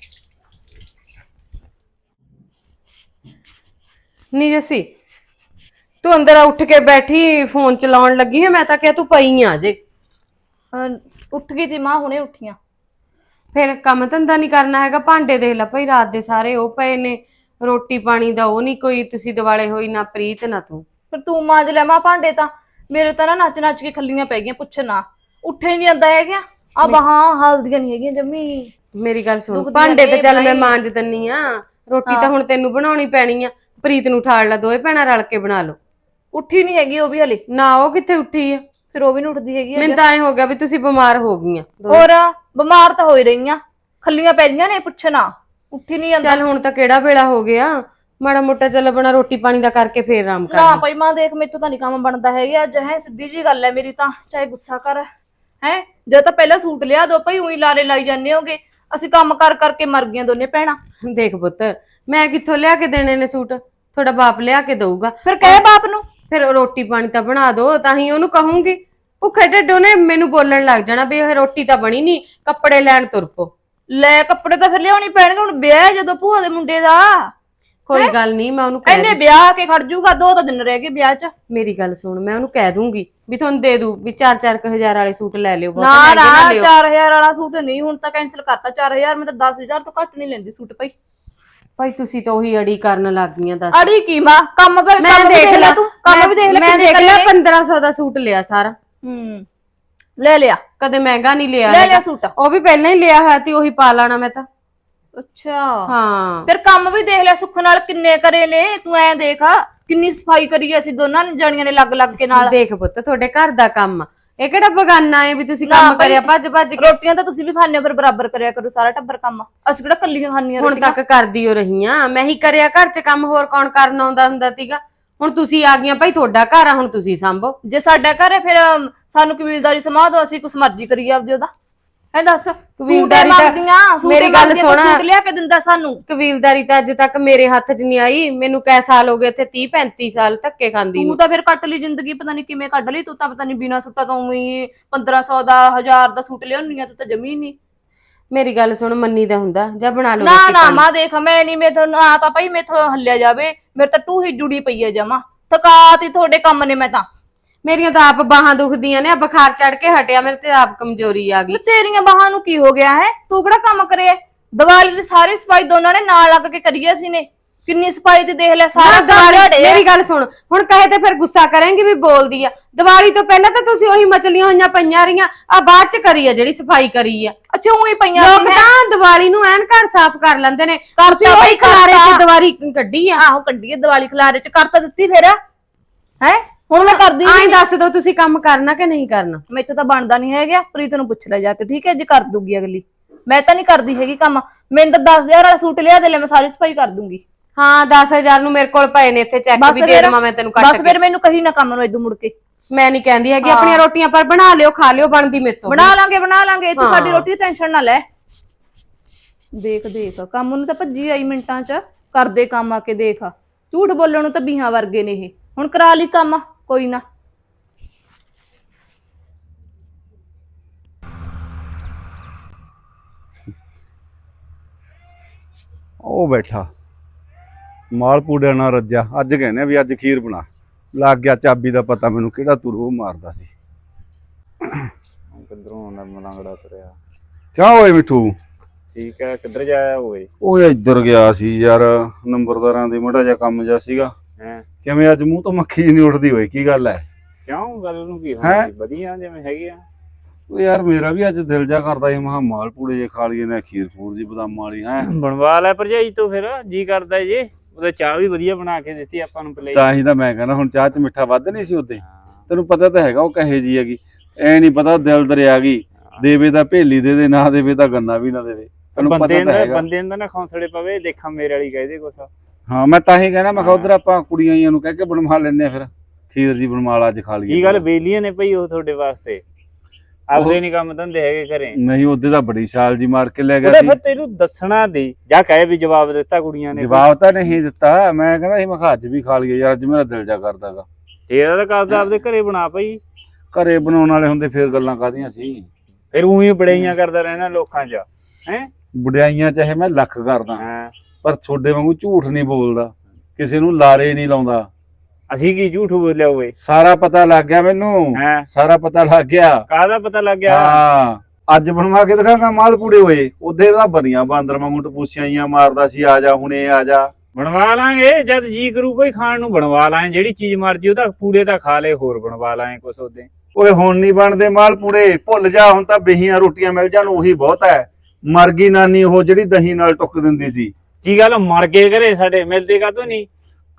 ਨੀ ਜੱਸੀ ਤੂੰ ਅੰਦਰ ਉੱਠ ਕੇ ਬੈਠੀ ਫੋਨ ਚਲਾਉਣ ਲੱਗੀ ਹੈ। ਮੈਂ ਤਾਂ ਕਿਹਾ ਤੂੰ ਪਈ ਆ ਜੇ। ਉੱਠ ਗਈ ਜੀ ਮਾਂ, ਹੁਣੇ ਉੱਠੀਆਂ। ਫਿਰ ਕੰਮ ਧੰਦਾ ਨਹੀਂ ਕਰਨਾ ਹੈਗਾ? ਭਾਂਡੇ ਦੇਖ ਲੈ ਭਾਈ, ਰਾਤ ਦੇ ਸਾਰੇ ਉਹ ਪਏ ਨੇ, ਰੋਟੀ ਪਾਣੀ ਦਾ ਉਹ ਨਹੀਂ ਕੋਈ। ਤੁਸੀਂ ਦਿਵਾਲੇ ਹੋਈ ਨਾ ਪ੍ਰੀਤ ਨਾ ਤੂੰ। ਫਿਰ ਤੂੰ ਮਾਂਜ ਲੈ ਮਾਂ ਭਾਂਡੇ ਤਾਂ। ਮੇਰੇ ਤਾਂ ਨਾ ਨੱਚ ਨੱਚ ਕੇ ਖੱਲੀਆਂ ਪੈ ਗਈਆਂ, ਪੁੱਛ ਨਾ। ਉੱਠੇ ਨਹੀਂ ਜਾਂਦਾ ਹੈਗਾ, ਆ ਬਾਹਾਂ ਹਲਦੀਆਂ ਨਹੀਂ ਹੈਗੀਆਂ ਜੰਮੀ। ਮੇਰੀ ਗੱਲ ਸੁਣ, ਭਾਂਡੇ ਤੇ ਚੱਲ ਮੈਂ ਮਾਂਜ ਦਿੰਨੀ ਆ, ਰੋਟੀ ਤਾਂ ਹੁਣ ਤੈਨੂੰ ਬਣਾਉਣੀ ਪੈਣੀ ਆ। ਪ੍ਰੀਤ ਨੂੰ ਠਾਲ ਲਾ, ਦੋਵੇਂ ਭੈਣਾਂ ਰਲ ਕੇ ਬਣਾ ਲਓ। ਉੱਠੀ ਨਹੀਂ ਹੈਗੀ ਉਹ ਵੀ ਹਲੇ, ਨਾ ਉਹ ਕਿੱਥੇ ਉੱਠੀ ਆ, ਫਿਰ ਉਹ ਵੀ ਨਹੀਂ ਉੱਠਦੀ ਹੈਗੀ ਮੈਨੂੰ ਤਾਂ ਐ ਹੋ ਗਿਆ ਵੀ ਤੁਸੀਂ ਬਿਮਾਰ ਹੋ ਗਈਆਂ ਦੋਵੇਂ। ਹੋਰ ਬਿਮਾਰ ਤਾਂ ਹੋ ਹੀ ਰਹੀਆਂ, ਖੱਲੀਆਂ ਪੈ ਰਹੀਆਂ ਨੇ, ਪੁੱਛਣਾ ਉੱਠੀ ਨਹੀਂ ਜਾਂਦਾ। ਚੱਲ ਹੁਣ ਤਾਂ ਕਿਹੜਾ ਵੇਲਾ ਹੋ ਗਿਆ, ਮਾੜਾ ਮੋਟਾ ਚੱਲ ਆਪਣਾ ਰੋਟੀ ਪਾਣੀ ਦਾ ਕਰਕੇ ਫੇਰ ਆਰਾਮ ਕਰ ਨਾ ਲਈ। ਭਾਈ ਮਾਂ ਦੇਖ ਮੇਥੋਂ ਤਾਂ ਨਹੀਂ ਕੰਮ ਬਣਦਾ ਹੈਗਾ ਅੱਜ, ਹੈ ਸਿੱਧੀ ਜੀ ਗੱਲ ਹੈ ਮੇਰੀ ਤਾਂ, ਚਾਹੇ ਗੁੱਸਾ ਕਰ ਹੈ। ਜਦ ਤਾਂ ਪਹਿਲਾਂ ਸੂਟ ਲਿਆ ਦੋ ਭਾਈ, ਉਹੀ ਲਾਰੇ ਲਾਈ ਜਾਂਦੇ ਹੋਗੇ, ਅਸੀਂ ਕੰਮ ਕਰ ਕਰਕੇ ਮਰ ਗਈਆਂ ਦੋਨੇ ਭੈਣਾਂ। ਦੇਖ ਪੁੱਤ, ਮੈਂ ਕਿੱਥੋਂ ਲਿਆ ਕੇ ਦੇਣੇ ਨੇ ਸੂਟ, ਤੁਹਾਡਾ ਬਾਪ ਲਿਆ ਕੇ ਦਊਗਾ। ਫਿਰ ਕਹੇ ਬਾਪ ਨੂੰ, ਫਿਰ ਰੋਟੀ ਪਾਣੀ ਤਾਂ ਬਣਾ ਦੋ, ਤਾਂ ਹੀ ਉਹਨੂੰ ਕਹੂੰਗੀ। ਭੁੱਖੇ ਢਿੱਡੋਂ ਨੇ ਮੈਨੂੰ ਬੋਲਣ ਲੱਗ ਜਾਣਾ ਵੀ ਇਹ ਰੋਟੀ ਤਾਂ ਬਣੀ ਨਹੀਂ, ਕੱਪੜੇ ਲੈਣ ਤੁਰ ਪੋ। ਲੈ ਕੱਪੜੇ ਤਾਂ ਫਿਰ ਲਿਆਉਣੀ ਪੈਣਗੇ, ਹੁਣ ਵਿਆਹ ਹੈ ਜਦੋਂ ਭੂਆ ਦੇ ਮੁੰਡੇ ਦਾ। ਕੋਈ ਗੱਲ ਨਹੀਂ, ਮੈਂ ਉਹਨੂੰ ਕਹਿ ਇਹਨੇ ਵਿਆਹ ਆ ਕੇ ਖੜ ਜਾਊਗਾ, 2 ਦਿਨ ਰਹਿ ਗਏ ਵਿਆਹ 'ਚ। ਮੇਰੀ ਗੱਲ ਸੁਣ, ਮੈਂ ਉਹਨੂੰ ਕਹਿ ਦੂੰਗੀ ਵੀ ਤੁਹਾਨੂੰ ਦੇ ਦੂ ਵੀ 4-4 ਹਜ਼ਾਰ ਵਾਲੇ ਸੂਟ ਲੈ ਲਿਓ, ਨਾ ਬਹੁਤ ਨਾ ਮਹਿੰਗੇ ਨਾ ਲਿਓ। 4000 ਵਾਲਾ ਸੂਟ ਨਹੀਂ, ਹੁਣ ਤਾਂ ਕੈਨਸਲ ਕਰਤਾ 4000, ਮੈਂ ਤਾਂ 10000 ਤੋਂ ਘੱਟ ਨਹੀਂ ਲੈਂਦੀ ਸੂਟ ਭਾਈ। ਭਾਈ ਤੁਸੀਂ ਤਾਂ ਉਹੀ ਅੜੀ ਕਰਨ ਲੱਗ ਗਈਆਂ ਦੱਸ। ਅੜੀ ਕੀ ਮਾਂ, ਕੰਮ ਵੀ ਮੈਂ ਦੇਖ ਲਿਆ, ਤੂੰ ਕੰਮ ਵੀ ਦੇਖ ਲੈ, ਮੈਂ ਦੇਖ ਲਿਆ 1500 ਦਾ ਸੂਟ ਲਿਆ ਸਾਰਾ। ਲੈ ਲਿਆ, ਕਦੇ ਮਹਿੰਗਾ ਨਹੀਂ ਲਿਆ ਲੈ ਹੈਗਾ। ਲਿਆ ਸੂਟ। ਉਹ ਵੀ ਪਹਿਲਾਂ ਹੀ ਲਿਆ ਹੋਇਆ ਤੇ ਉਹੀ ਪਾ ਲੈਣਾ ਮੈਂ ਤਾਂ। ਅੱਛਾ ਹਾਂ ਫਿਰ ਕੰਮ ਵੀ ਦੇਖ ਲੈ, ਸੁੱਖ ਨਾਲ ਕਿੰਨੇ ਕਰੇ ਨੇ, ਤੂੰ ਐ ਦੇਖ ਕਿੰਨੀ ਸਫਾਈ ਕਰੀ ਅਸੀਂ ਦੋਨਾਂ ਜਾਣੀਆਂ ਨੇ ਲੱਗ ਲੱਗ ਕੇ ਨਾਲ। ਦੇਖ ਪੁੱਤ, ਤੁਹਾਡੇ ਘਰ ਦਾ ਕੰਮ ਆ, ਇਹ ਕਿਹੜਾ ਬਗਾਨਾ ਹੈ ਵੀ ਤੁਸੀਂ ਨਾ ਕੰਮ ਭਾਈ, ਕਰਿਆ ਭੱਜ ਭੱਜ ਕੇ। ਰੋਟੀਆਂ ਤਾਂ ਤੁਸੀਂ ਵੀ ਖਾਣੇ ਹੋ, ਪਰ ਬਰਾਬਰ ਕਰਿਆ ਕਰੋ ਸਾਰਾ ਟੱਬਰ ਕੰਮ, ਅਸੀਂ ਕਿਹੜਾ ਕੱਲੀਆਂ ਖਾਣੀਆਂ ਹੁਣ ਰੋਟੀਆਂ। ਤੱਕ ਕਰਦੀ ਹੋ ਰਹੀਆਂ, ਮੈਂ ਹੀ ਕਰਿਆ ਘਰ 'ਚ ਕੰਮ, ਹੋਰ ਕੌਣ ਕਰਨ ਆਉਂਦਾ ਹੁੰਦਾ ਸੀਗਾ। ਹੁਣ ਤੁਸੀਂ ਆ ਗਈਆਂ ਭਾਈ, ਤੁਹਾਡਾ ਘਰ ਆ, ਹੁਣ ਤੁਸੀਂ ਸੰਭੋ। ਜੇ ਸਾਡਾ ਘਰ ਹੈ ਫਿਰ ਸਾਨੂੰ ਕਬੀਲਦਾਰੀ ਸਮਾ ਦੋ, ਅਸੀਂ ਕੁਛ ਮਰਜ਼ੀ ਕਰੀਏ ਆਪਦੇ ਉਹਦਾ। ਐ ਦੱਸ ਕਬੀਲਦਾਰੀ ਤਾਂ ਮੇਰੀ ਗੱਲ ਸੁਣ, ਸੂਟ ਲਿਆ ਕੇ ਦਿੰਦਾ ਸਾਨੂੰ। ਕਬੀਲਦਾਰੀ ਤਾਂ ਅੱਜ ਤੱਕ ਮੇਰੇ ਹੱਥ 'ਚ ਨਹੀਂ ਆਈ, ਮੈਨੂੰ ਕੈ ਸਾਲ ਹੋ ਗਏ ਇੱਥੇ 30-35 ਸਾਲ ਧੱਕੇ ਖਾਂਦੀ ਤੂੰ ਨੂੰ। ਤਾਂ ਫਿਰ ਕੱਟ ਲਈ ਜ਼ਿੰਦਗੀ, ਪਤਾ ਨਹੀਂ ਕਿਵੇਂ ਕੱਢ ਲਈ ਤੂੰ ਤਾਂ, ਪਤਾ ਨਹੀਂ ਬਿਨਾਂ ਸੂਟਾਂ ਤੋਂ ਹੀ 1500 ਦਾ 1000 ਦਾ ਸੂਟ ਲਿਆਉਣੀ ਆ ਤੂੰ ਤਾਂ ਜਮੀ ਨਹੀਂ। ਮੇਰੀ ਗੱਲ ਸੁਣ, ਮੰਨੀ ਦਾ ਹੁੰਦਾ ਜਾਂ ਬਣਾ ਲਓ ਨਾ ਰੋਟੀ ਨਾ ਪਾਣੀ। ਮਾਂ ਦੇਖ, ਮੈਂ ਨਹੀਂ, ਮੇਥੋਂ ਨਾ ਤਾਂ ਭਾਈ ਮੇਥੋਂ ਹੱਲਿਆ ਜਾਵੇ, ਮੇਰੇ ਤਾਂ ਟੂਹੀ ਜੁੜੀ ਪਈ ਹੈ ਜਮਾ, ਥਕਾਤੀ ਤੁਹਾਡੇ ਕੰਮ ਨੇ। ਮੈਂ ਤਾਂ ਮੇਰੀਆਂ ਤਾਂ ਆਪ ਬਾਹਾਂ ਦੁਖਦੀਆਂ ਨੇ, ਬੁਖਾਰ ਚੜ ਕੇ ਹਟਿਆ, ਮੇਰੇ ਤੇ ਆਪ ਕਮਜ਼ੋਰੀ ਆ ਗਈ। ਤੇਰੀਆਂ ਬਾਹਾਂ ਨੂੰ ਕੀ ਹੋ ਗਿਆ ਹੈ, ਤੂੰ ਕਿਹੜਾ ਕੰਮ ਕਰਿਆ? ਦੀਵਾਲੀ ਦੀ ਸਾਰੀ ਸਫਾਈ ਦੋਨਾਂ ਨੇ ਨਾਲ ਲੱਗ ਕੇ ਕਰੀ ਅਸੀਂ ਨੇ, ਕਿੰਨੀ ਸਫਾਈ ਤੇ ਦੇਖ ਲੈ ਸਾਰਾ ਦੀਵਾਲੀ, ਮੇਰੀ ਗੱਲ ਸੁਣ, ਹੁਣ ਕਹੇ ਤੇ ਫਿਰ ਗੁੱਸਾ ਕਰਾਂਗੇ ਵੀ ਬੋਲਦੀ ਆ। ਦੀਵਾਲੀ ਤੋਂ ਪਹਿਲਾਂ ਤਾਂ ਤੁਸੀਂ ਉਹੀ ਮਚਲੀਆਂ ਹੋਈਆਂ ਪਈਆਂ ਰਹੀਆਂ, ਆ ਬਾਅਦ ਚ ਕਰੀ ਆ ਜਿਹੜੀ ਸਫਾਈ ਕਰੀ ਆ। ਅੱਛਾ ਉਹੀ ਪਈਆਂ ਲੋਕ ਤਾਂ ਦੀਵਾਲੀ ਨੂੰ ਐਨ ਘਰ ਸਾਫ਼ ਕਰ ਲੈਂਦੇ ਨੇ, ਤੁਸੀਂ ਉਹੀ ਖਲਾਰੇ ਚ ਦੀਵਾਲੀ ਕੱਢੀ ਆ। ਆਹੋ ਕੱਢੀਏ ਦੀਵਾਲੀ ਖਲਾਰੇ ਚ, ਕਰ ਤਾਂ ਦਿੱਤੀ ਫਿਰ ਹੈ। ਹੁਣ ਮੈਂ ਕਰਦੀ ਆਈ ਦੱਸ ਦੋ ਤੁਸੀਂ ਕੰਮ ਕਰਨਾ ਕਿ ਨਹੀਂ ਕਰਨਾ? ਮੈਥੋਂ ਤਾਂ ਬਣਦਾ ਨਹੀਂ ਹੈਗਾ, ਪ੍ਰੀਤ ਨੂੰ ਪੁੱਛ ਲੈ ਜਾ ਕੇ, ਠੀਕ ਹੈ ਜੇ ਕਰ ਦੂਗੀ ਅਗਲੀ। ਮੈਂ ਤਾਂ ਨਹੀਂ ਕਰਦੀ ਹੈਗੀ ਕੰਮ, ਮੈਨੂੰ ਤਾਂ 10000 ਵਾਲਾ ਸੂਟ ਲਿਆ ਦੇ ਲੈ, ਮੈਂ ਸਾਰੀ ਸਫਾਈ ਕਰ ਦੂੰਗੀ। ਹਾਂ 10000 ਨੂੰ ਮੇਰੇ ਕੋਲ ਪਏ ਨੇ ਇੱਥੇ, ਚੈੱਕ ਵੀ ਦੇ ਦੇਵਾਂ ਮੈਂ ਤੈਨੂੰ ਕੱਟ ਕੇ। ਬਸ ਫਿਰ ਮੈਨੂੰ ਕਹੀ ਨਾ ਕੰਮ ਨੂੰ ਇਦੋਂ ਮੁੜ ਕੇ। ਮੈਂ ਨਹੀਂ ਕਹਿੰਦੀ ਹੈਗੀ, ਆਪਣੀਆਂ ਰੋਟੀਆਂ ਪਰ ਬਣਾ ਲਿਓ, ਖਾ ਲਿਓ, ਬਣਦੀ ਮੇਰੇ ਤੋਂ। ਬਣਾ ਲਾਂਗੇ, ਤੂੰ ਸਾਡੀ ਰੋਟੀ ਦੀ ਟੈਨਸ਼ਨ ਨਾ ਲੈ। ਦੇਖ ਦੇਖ ਕੰਮ ਨੂੰ ਤਾਂ ਭੱਜੀ ਆਈ ਮਿੰਟਾਂ 'ਚ, ਕਰਦੇ ਕੰਮ ਆ ਕੇ ਦੇਖ। ਝੂਠ ਬੋਲਣ ਨੂੰ ਤਾਂ ਬੀਹਾਂ ਵਰਗੇ ਨੇ ਇਹ, ਹੁਣ ਕਰਾ ਲਈ ਕੰਮ, ਕੋਈ ਨਾ। ਉਹ ਬੈਠਾ ਮਾਲ ਪੂੜਿਆਂ ਨਾਲ ਰੱਜਿਆ, ਅੱਜ ਕਹਿੰਦੇ ਵੀ ਅੱਜ ਖੀਰ ਬਣਾ। ਲੱਗ ਗਿਆ ਚਾਬੀ ਦਾ ਪਤਾ ਮੈਨੂੰ, ਕਿਹੜਾ ਤੁਰੂ ਮਾਰਦਾ ਸੀ। ਕਿੱਧਰੋਂ ਆਉਂਦਾ ਮਲੰਗੜਾ ਤੁਰਿਆ? ਕਿਆ ਹੋਏ ਮਿੱਠੂ? ਠੀਕ ਹੈ, ਕਿੱਧਰ ਜਾਇਆ ਹੋਏ? ਓਏ ਇੱਧਰ ਗਿਆ ਸੀ ਯਾਰ, ਨੰਬਰਦਾਰਾਂ ਦੇ ਮਾੜਾ ਜਿਹਾ ਕੰਮ ਜਿਹਾ ਸੀਗਾ। ਹੈ ਕਿਵੇਂ ਅੱਜ ਮੂੰਹ ਤੋਂ ਮੱਖੀ ਨਹੀਂ ਉੱਠਦੀ ਹੋਈ, ਕੀ ਗੱਲ ਹੈ? ਕਿਉਂ, ਗੱਲ ਨੂੰ ਕੀ ਹੈਂ? ਹੋਣੀ? ਵਧੀਆ ਜਿਵੇਂ ਹੈਗੀ ਆ। ਓ ਯਾਰ ਮੇਰਾ ਵੀ ਅੱਜ ਦਿਲ ਜਾ ਕਰਦਾ ਸੀ, ਮਹਾ ਮਾਲ ਪੂੜੇ ਜੇ ਖਾ ਲਈਏ ਨਾ, ਖੀਰ ਫੂਰ ਜੀ ਬਦਾਮਾਂ ਵਾਲੀ ਹੈ। ਬਣਵਾ ਲੈ ਭਰਜਾਈ ਤੋਂ, ਫਿਰ ਜੀ ਕਰਦਾ ਜੇ। ਉਹਦੇ ਚਾਹ ਵੀ ਵਧੀਆ ਬਣਾ ਕੇ ਦਿੱਤੀ ਆਪਾਂ ਨੂੰ ਪਲੇ। ਤਾਂ ਹੀ ਤਾਂ ਮੈਂ ਕਹਿੰਦਾ, ਹੁਣ ਚਾਹ ਚ ਮਿੱਠਾ ਵੱਧ ਨਹੀਂ ਸੀ ਉਹਦੇ। ਤੈਨੂੰ ਪਤਾ ਤਾਂ ਹੈਗਾ ਉਹ ਕਹੇ ਜੀ ਹੈਗੀ, ਐ ਨਹੀਂ ਪਤਾ ਦਿਲ ਦਰਿਆ ਗਈ, ਦੇਵੇ ਤਾਂ ਭੇਲੀ ਦੇ ਦੇ, ਨਾ ਦੇਵੇ ਤਾਂ ਗੰਨਾ ਵੀ ਨਾ ਦੇਵੇ। ਤੈਨੂੰ ਪਤਾ ਤਾਂ ਹੈਗਾ। ਬੰਦੇ ਨੂੰ ਨਾ ਖੌਂਸੜੇ ਪਵੇ, ਦੇਖਾਂ ਮੇਰੇ ਵਾਲੀ ਕਹਦੇ ਕੁਛ। ਹਾਂ ਮੈਂ ਤਾਂ ਹੀ ਕਹਿਣਾ, ਮੈਂ ਕਿਹਾ ਉਧਰ ਆਪਾਂ ਕੁੜੀਆਂ ਜੀਆਂ ਨੂੰ ਕਹਿ ਕੇ ਬਣਵਾ ਲੈਨੇ ਆ, ਫਿਰ ਖੀਰ ਜੀ ਬਣਵਾ ਲਾ, ਅੱਜ ਖਾ ਲਈਏ। ਕੀ ਗੱਲ ਬੇਲੀਆਂ ਨੇ ਭਈ ਉਹ ਤੁਹਾਡੇ ਵਾਸਤੇ? ਆਪਦੇ ਨਹੀਂ ਕੰਮ ਧੰਦੇ ਹੈਗੇ ਘਰੇ? ਨਹੀਂ ਉਹਦੇ ਤਾਂ ਬੜੀ ਛਾਲ ਜੀ ਮਾਰ ਕੇ ਲੈ ਗਿਆ ਉਹਦੇ ਸੀ। ਫਿਰ ਤੈਨੂੰ ਦੱਸਣਾ ਦੇ, ਜਾਂ ਕਹੇ ਵੀ ਜਵਾਬ ਦਿੱਤਾ ਕੁੜੀਆਂ ਨੇ? ਜਵਾਬ ਤਾਂ ਨਹੀਂ ਦਿੱਤਾ, ਮੈਂ ਕਹਿੰਦਾ ਸੀ ਮੈਂ ਕਿਹਾ ਅੱਜ ਵੀ ਖਾ ਲਈਏ ਯਾਰ, ਅੱਜ ਮੇਰਾ ਦਿਲ ਜਾ ਕਰਦਾਗਾ। ਤੇਰਾ ਤਾਂ ਕਰਦਾ ਆਪਦੇ ਘਰੇ ਬਣਾ ਭਈ। ਘਰੇ ਬਣਾਉਣ ਵਾਲੇ ਹੁੰਦੇ ਫਿਰ ਗੱਲਾਂ ਕਾਹਦੀਆਂ ਸੀ? ਫਿਰ ਉਹੀ ਬੜਾਈਆਂ ਕਰਦਾ ਰਹਿਣਾ ਲੋਕਾਂ 'ਚ, ਹੈ? ਵਡਿਆਈਆਂ ਚਾਹੇ ਮੈਂ ਲੱਖ ਕਰਦਾ, ਹਾਂ ਪਰ ਤੁਹਾਡੇ ਵਾਂਗੂ ਝੂਠ ਨਹੀਂ ਬੋਲਦਾ, ਕਿਸੇ ਨੂੰ ਲਾਰੇ ਨਹੀਂ ਲਾਉਂਦਾ। ਅਸੀਂ ਕੀ ਝੂਠ ਬੋਲਿਆ ਹੋਵੇ? ਸਾਰਾ ਪਤਾ ਲੱਗ ਗਿਆ ਮੈਨੂੰ, ਹੈਂ? ਸਾਰਾ ਪਤਾ ਲੱਗ ਗਿਆ। ਕਾਹਦਾ ਪਤਾ ਲੱਗ ਗਿਆ? ਹਾਂ ਅੱਜ ਬਣਵਾ ਕੇ ਦਿਖਾਂਗਾ ਮਾਲ ਪੂੜੇ ਹੋਏ, ਉਹਦੇ ਤਾਂ ਬੜੀਆਂ ਬਾਂਦਰ ਵਾਂਗੂ ਟਪੂਸੀਆਂ ਜੀਆਂ ਮਾਰਦਾ ਸੀ, ਆ ਜਾ ਹੁਣੇ ਆ ਜਾ। ਬਣਵਾ ਲਾਂਗੇ ਜਦ ਜੀ ਕਰੂ ਕੋਈ ਖਾਣ ਨੂੰ, ਬਣਵਾ ਲਾਂਗੇ ਜਿਹੜੀ ਚੀਜ਼ ਮਰਜੀ। ਉਹਦਾ ਪੂੜੇ ਤਾਂ ਖਾ ਲੇ, ਹੋਰ ਬਣਵਾ ਲਾਂਗੇ ਕੁਛ ਉਹਦੇ। ਓਏ ਹੁਣ ਨਹੀਂ ਬਣਦੇ ਮਾਲ ਪੂੜੇ, ਭੁੱਲ ਜਾ, ਹੁਣ ਤਾਂ ਬਹੀਆਂ ਰੋਟੀਆਂ ਮਿਲ ਜਾਣ ਉਹੀ ਬਹੁਤ ਹੈ। ਮਰ ਗਈ ਨਾਨੀ ਉਹ ਜਿਹੜੀ ਦਹੀਂ ਨਾਲ ਟੁੱਕ ਦਿੰਦੀ ਸੀ। ਕੀ ਗੱਲ ਮਰ ਗਏ ਘਰੇ ਸਾਡੇ, ਮਿਲਦੇ ਕਾਹਤੋਂ ਨਹੀਂ?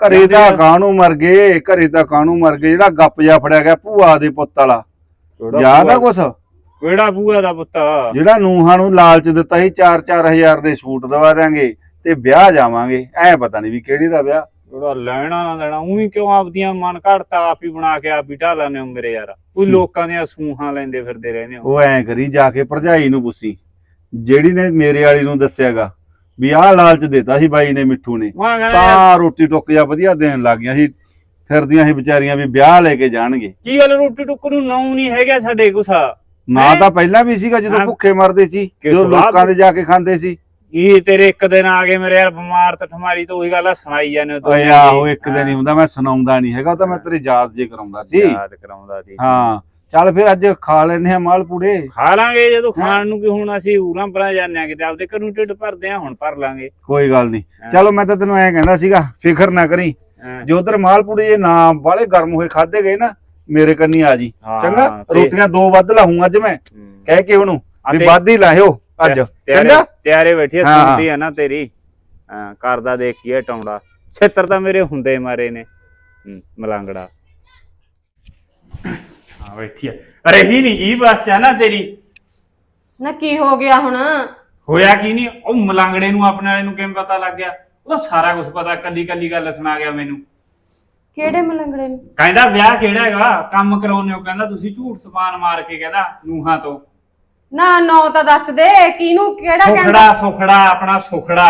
ਘਰੇ ਤਾਂ ਕਾਹਨੂੰ ਮਰ ਗਏ, ਘਰੇ ਤਾਂ ਕਾਹਨੂੰ ਮਰ ਗਏ। ਜਿਹੜਾ ਗੱਪ ਜਾ ਫੜਿਆ ਗਿਆ ਭੂਆ ਦੇ ਪੁੱਤ ਵਾਲਾ, ਯਾਦ ਆ ਕੁਛ? ਕਿਹੜਾ ਭੂਆ ਦਾ ਪੁੱਤ? ਜਿਹੜਾ ਨੂੰਹਾਂ ਨੂੰ ਲਾਲਚ ਦਿੱਤਾ ਸੀ 4-4 ਹਜ਼ਾਰ ਦੇ ਸੂਟ ਦਵਾ ਦਾਂਗੇ ਤੇ ਵਿਆਹ ਜਾਵਾਂਗੇ। ਐ ਪਤਾ ਨਹੀਂ ਵੀ ਕਿਹੜੀ ਦਾ ਵਿਆਹ। ਥੋੜਾ ਲੈਣਾ ਨਾ ਦੇਣਾ ਉਹੀ ਕਿਉਂ ਆਪਦੀਆਂ ਮਨ ਘੜਤਾ ਆਪ ਹੀ ਬਣਾ ਕੇ ਆਪ ਹੀ ਢਾ ਲੈਂਦੇ ਹੋ ਮੇਰੇ ਯਾਰ। ਕੋਈ ਲੋਕਾਂ ਦੀਆਂ ਸੂਹਾਂ ਲੈਂਦੇ ਫਿਰਦੇ ਰਹਿੰਦੇ ਹੋ। ਉਹ ਐ ਕਰੀ ਜਾ ਕੇ ਭਰਜਾਈ ਨੂੰ ਪੁੱਛੀ ਜਿਹੜੀ ਨੇ ਮੇਰੇ ਵਾਲੀ ਨੂੰ ਦੱਸਿਆਗਾ ਵੀ ਆਹ ਲਾਲਚ ਦਿੱਤਾ ਸੀ ਬਾਈ ਨੇ ਮਿੱਠੂ ਨੇ, ਮੈਂ ਕਹਿੰਦਾ ਯਾਰ, ਤਾਂ ਰੋਟੀ ਟੁੱਕ ਜਾ ਵਧੀਆ ਦੇਣ ਲੱਗ ਗਈਆਂ ਸੀ। ਫਿਰਦੀਆਂ ਸੀ ਵਿਚਾਰੀਆਂ ਵੀ ਵਿਆਹ ਲੈ ਕੇ ਜਾਣਗੇ। ਕੀ ਗੱਲ ਰੋਟੀ ਟੁੱਕ ਨੂੰ ਨਾਉ ਨਹੀਂ ਹੈਗਾ ਸਾਡੇ ਗੁੱਸਾ? ਨਾ ਤਾਂ ਪਹਿਲਾਂ ਵੀ ਸੀਗਾ ਜਦੋਂ ਹਾਂ। ਭੁੱਖੇ ਮਰਦੇ ਸੀ, ਜਦੋਂ ਸਵਾਦ- ਲੋਕਾਂ ਦੇ ਜਾ ਕੇ ਖਾਂਦੇ ਸੀ। ਇਹ ਤੇਰੇ ਇੱਕ ਦਿਨ ਆ ਗਏ ਮੇਰੇ ਯਾਰ ਬਿਮਾਰ ਤੇ ਠਮਾਰੀ ਤੋਂ ਉਹੀ ਗੱਲ ਆ ਸੁਣਾਈ ਜਾਂਦੇ ਹੋ ਓਏ ਆਹੋ ਇੱਕ ਦਿਨ ਹੀ ਹੁੰਦਾ, ਮੈਂ ਸੁਣਾਉਂਦਾ ਨਹੀਂ ਹੈਗਾ, ਉਹ ਤਾਂ ਮੈਂ ਤੇਰੀ ਯਾਦ ਜੇ ਕਰਾਉਂਦਾ ਸੀ। ਯਾਦ ਕਰਾਉਂਦਾ ਸੀ। ਹਾਂ ਚੱਲ ਫਿਰ ਅੱਜ ਖਾ ਲੈਨੇ ਆ ਮਾਲਪੂੜੇ। ਖਾ ਲਾਂਗੇ ਜਦੋਂ ਖਾਣ ਨੂੰ ਕਿ ਹੁਣ ਅਸੀਂ ਉਰਾਂ ਪਰਾਂ ਜਾਂਦੇ ਆ ਕਿਤੇ ਆਪਦੇ ਘਰੋਂ ਢਿੱਡ ਭਰਦੇ ਆ, ਹੁਣ ਭਰ ਲਾਂਗੇ। ਕੋਈ ਗੱਲ ਨਹੀਂ, ਚਲੋ ਮੈਂ ਤਾਂ ਤੈਨੂੰ ਐਂ ਕਹਿੰਦਾ ਸੀਗਾ ਫਿਕਰ ਨਾ ਕਰੀ। ਹਾਂ। ਜੇ ਉਧਰ ਮਾਲਪੂੜੇ ਜੇ ਨਾ ਬਾਲੇ ਗਰਮ ਹੋਏ ਖਾਦੇ ਗਏ ਨਾ ਮੇਰੇ ਕੰਨੀ ਆ ਜੀ, ਹਾਂ, ਚੰਗਾ? ਤੇ- ਰੋਟੀਆਂ 2 ਵੱਧ ਲਾਹੂੰ ਅੱਜ ਮੈਂ, ਕਹਿ ਕੇ ਉਹਨੂੰ ਵੀ ਅਤੇ- ਵੱਧ ਹੀ ਲਾਇਓ ਅੱਜ, ਚੰਗਾ? ਤਿਆਰੇ ਬੈਠੀ ਆ, ਹਾਂ। ਸੁਣਦੀ ਆ ਨਾ ਤੇਰੀ। ਹਾਂ ਕਰਦਾ ਦੇਖ ਕੀ ਟੌਂਡਾ ਛੇਤਰ ਤਾਂ ਮੇਰੇ ਹੁੰਦੇ ਮਾਰੇ ਨੇ। ਮਲੰਗੜਾ ਹਾਂ ਬੈਠੀ ਆ। ਰਹੀ ਨਹੀਂ ਜੀ ਬਸ ਚ ਨਾ ਤੇਰੀ। ਨਾ ਕੀ ਹੋ ਗਿਆ ਹੁਣ? ਹੋਇਆ ਕੀ ਨਹੀਂ, ਉਹ ਮਲੰਗੜੇ ਨੂੰ ਆਪਣੇ ਵਾਲੇ ਨੂੰ ਕਿਵੇਂ ਪਤਾ ਲੱਗ ਗਿਆ? ਉਹਦਾ ਸਾਰਾ ਕੁਝ ਪਤਾ, ਕੱਲੀ ਕੱਲੀ ਗੱਲ ਸੁਣਾ ਗਿਆ ਮੈਨੂੰ। ਕਿਹੜੇ ਮਲੰਗੜੇ ਨੂੰ? ਕਹਿੰਦਾ ਵਿਆਹ ਕਿਹੜਾ ਹੈਗਾ ਕੰਮ ਕਰਾਉਨੇ ਹੋ, ਕਹਿੰਦਾ ਤੁਸੀਂ ਝੂਠ ਸਪਾਨ ਮਾਰ ਕੇ ਕਹਿੰਦਾ ਨੂਹਾਂ ਤੋਂ। ਨਾ ਨੌ ਤਾਂ ਦੱਸ ਦੇ ਕਿਹਨੂੰ, ਕਿਹੜਾ ਕਹਿੰਦਾ? ਸੁਖੜਾ ਸੁਖੜਾ ਆਪਣਾ ਸੁਖੜਾ।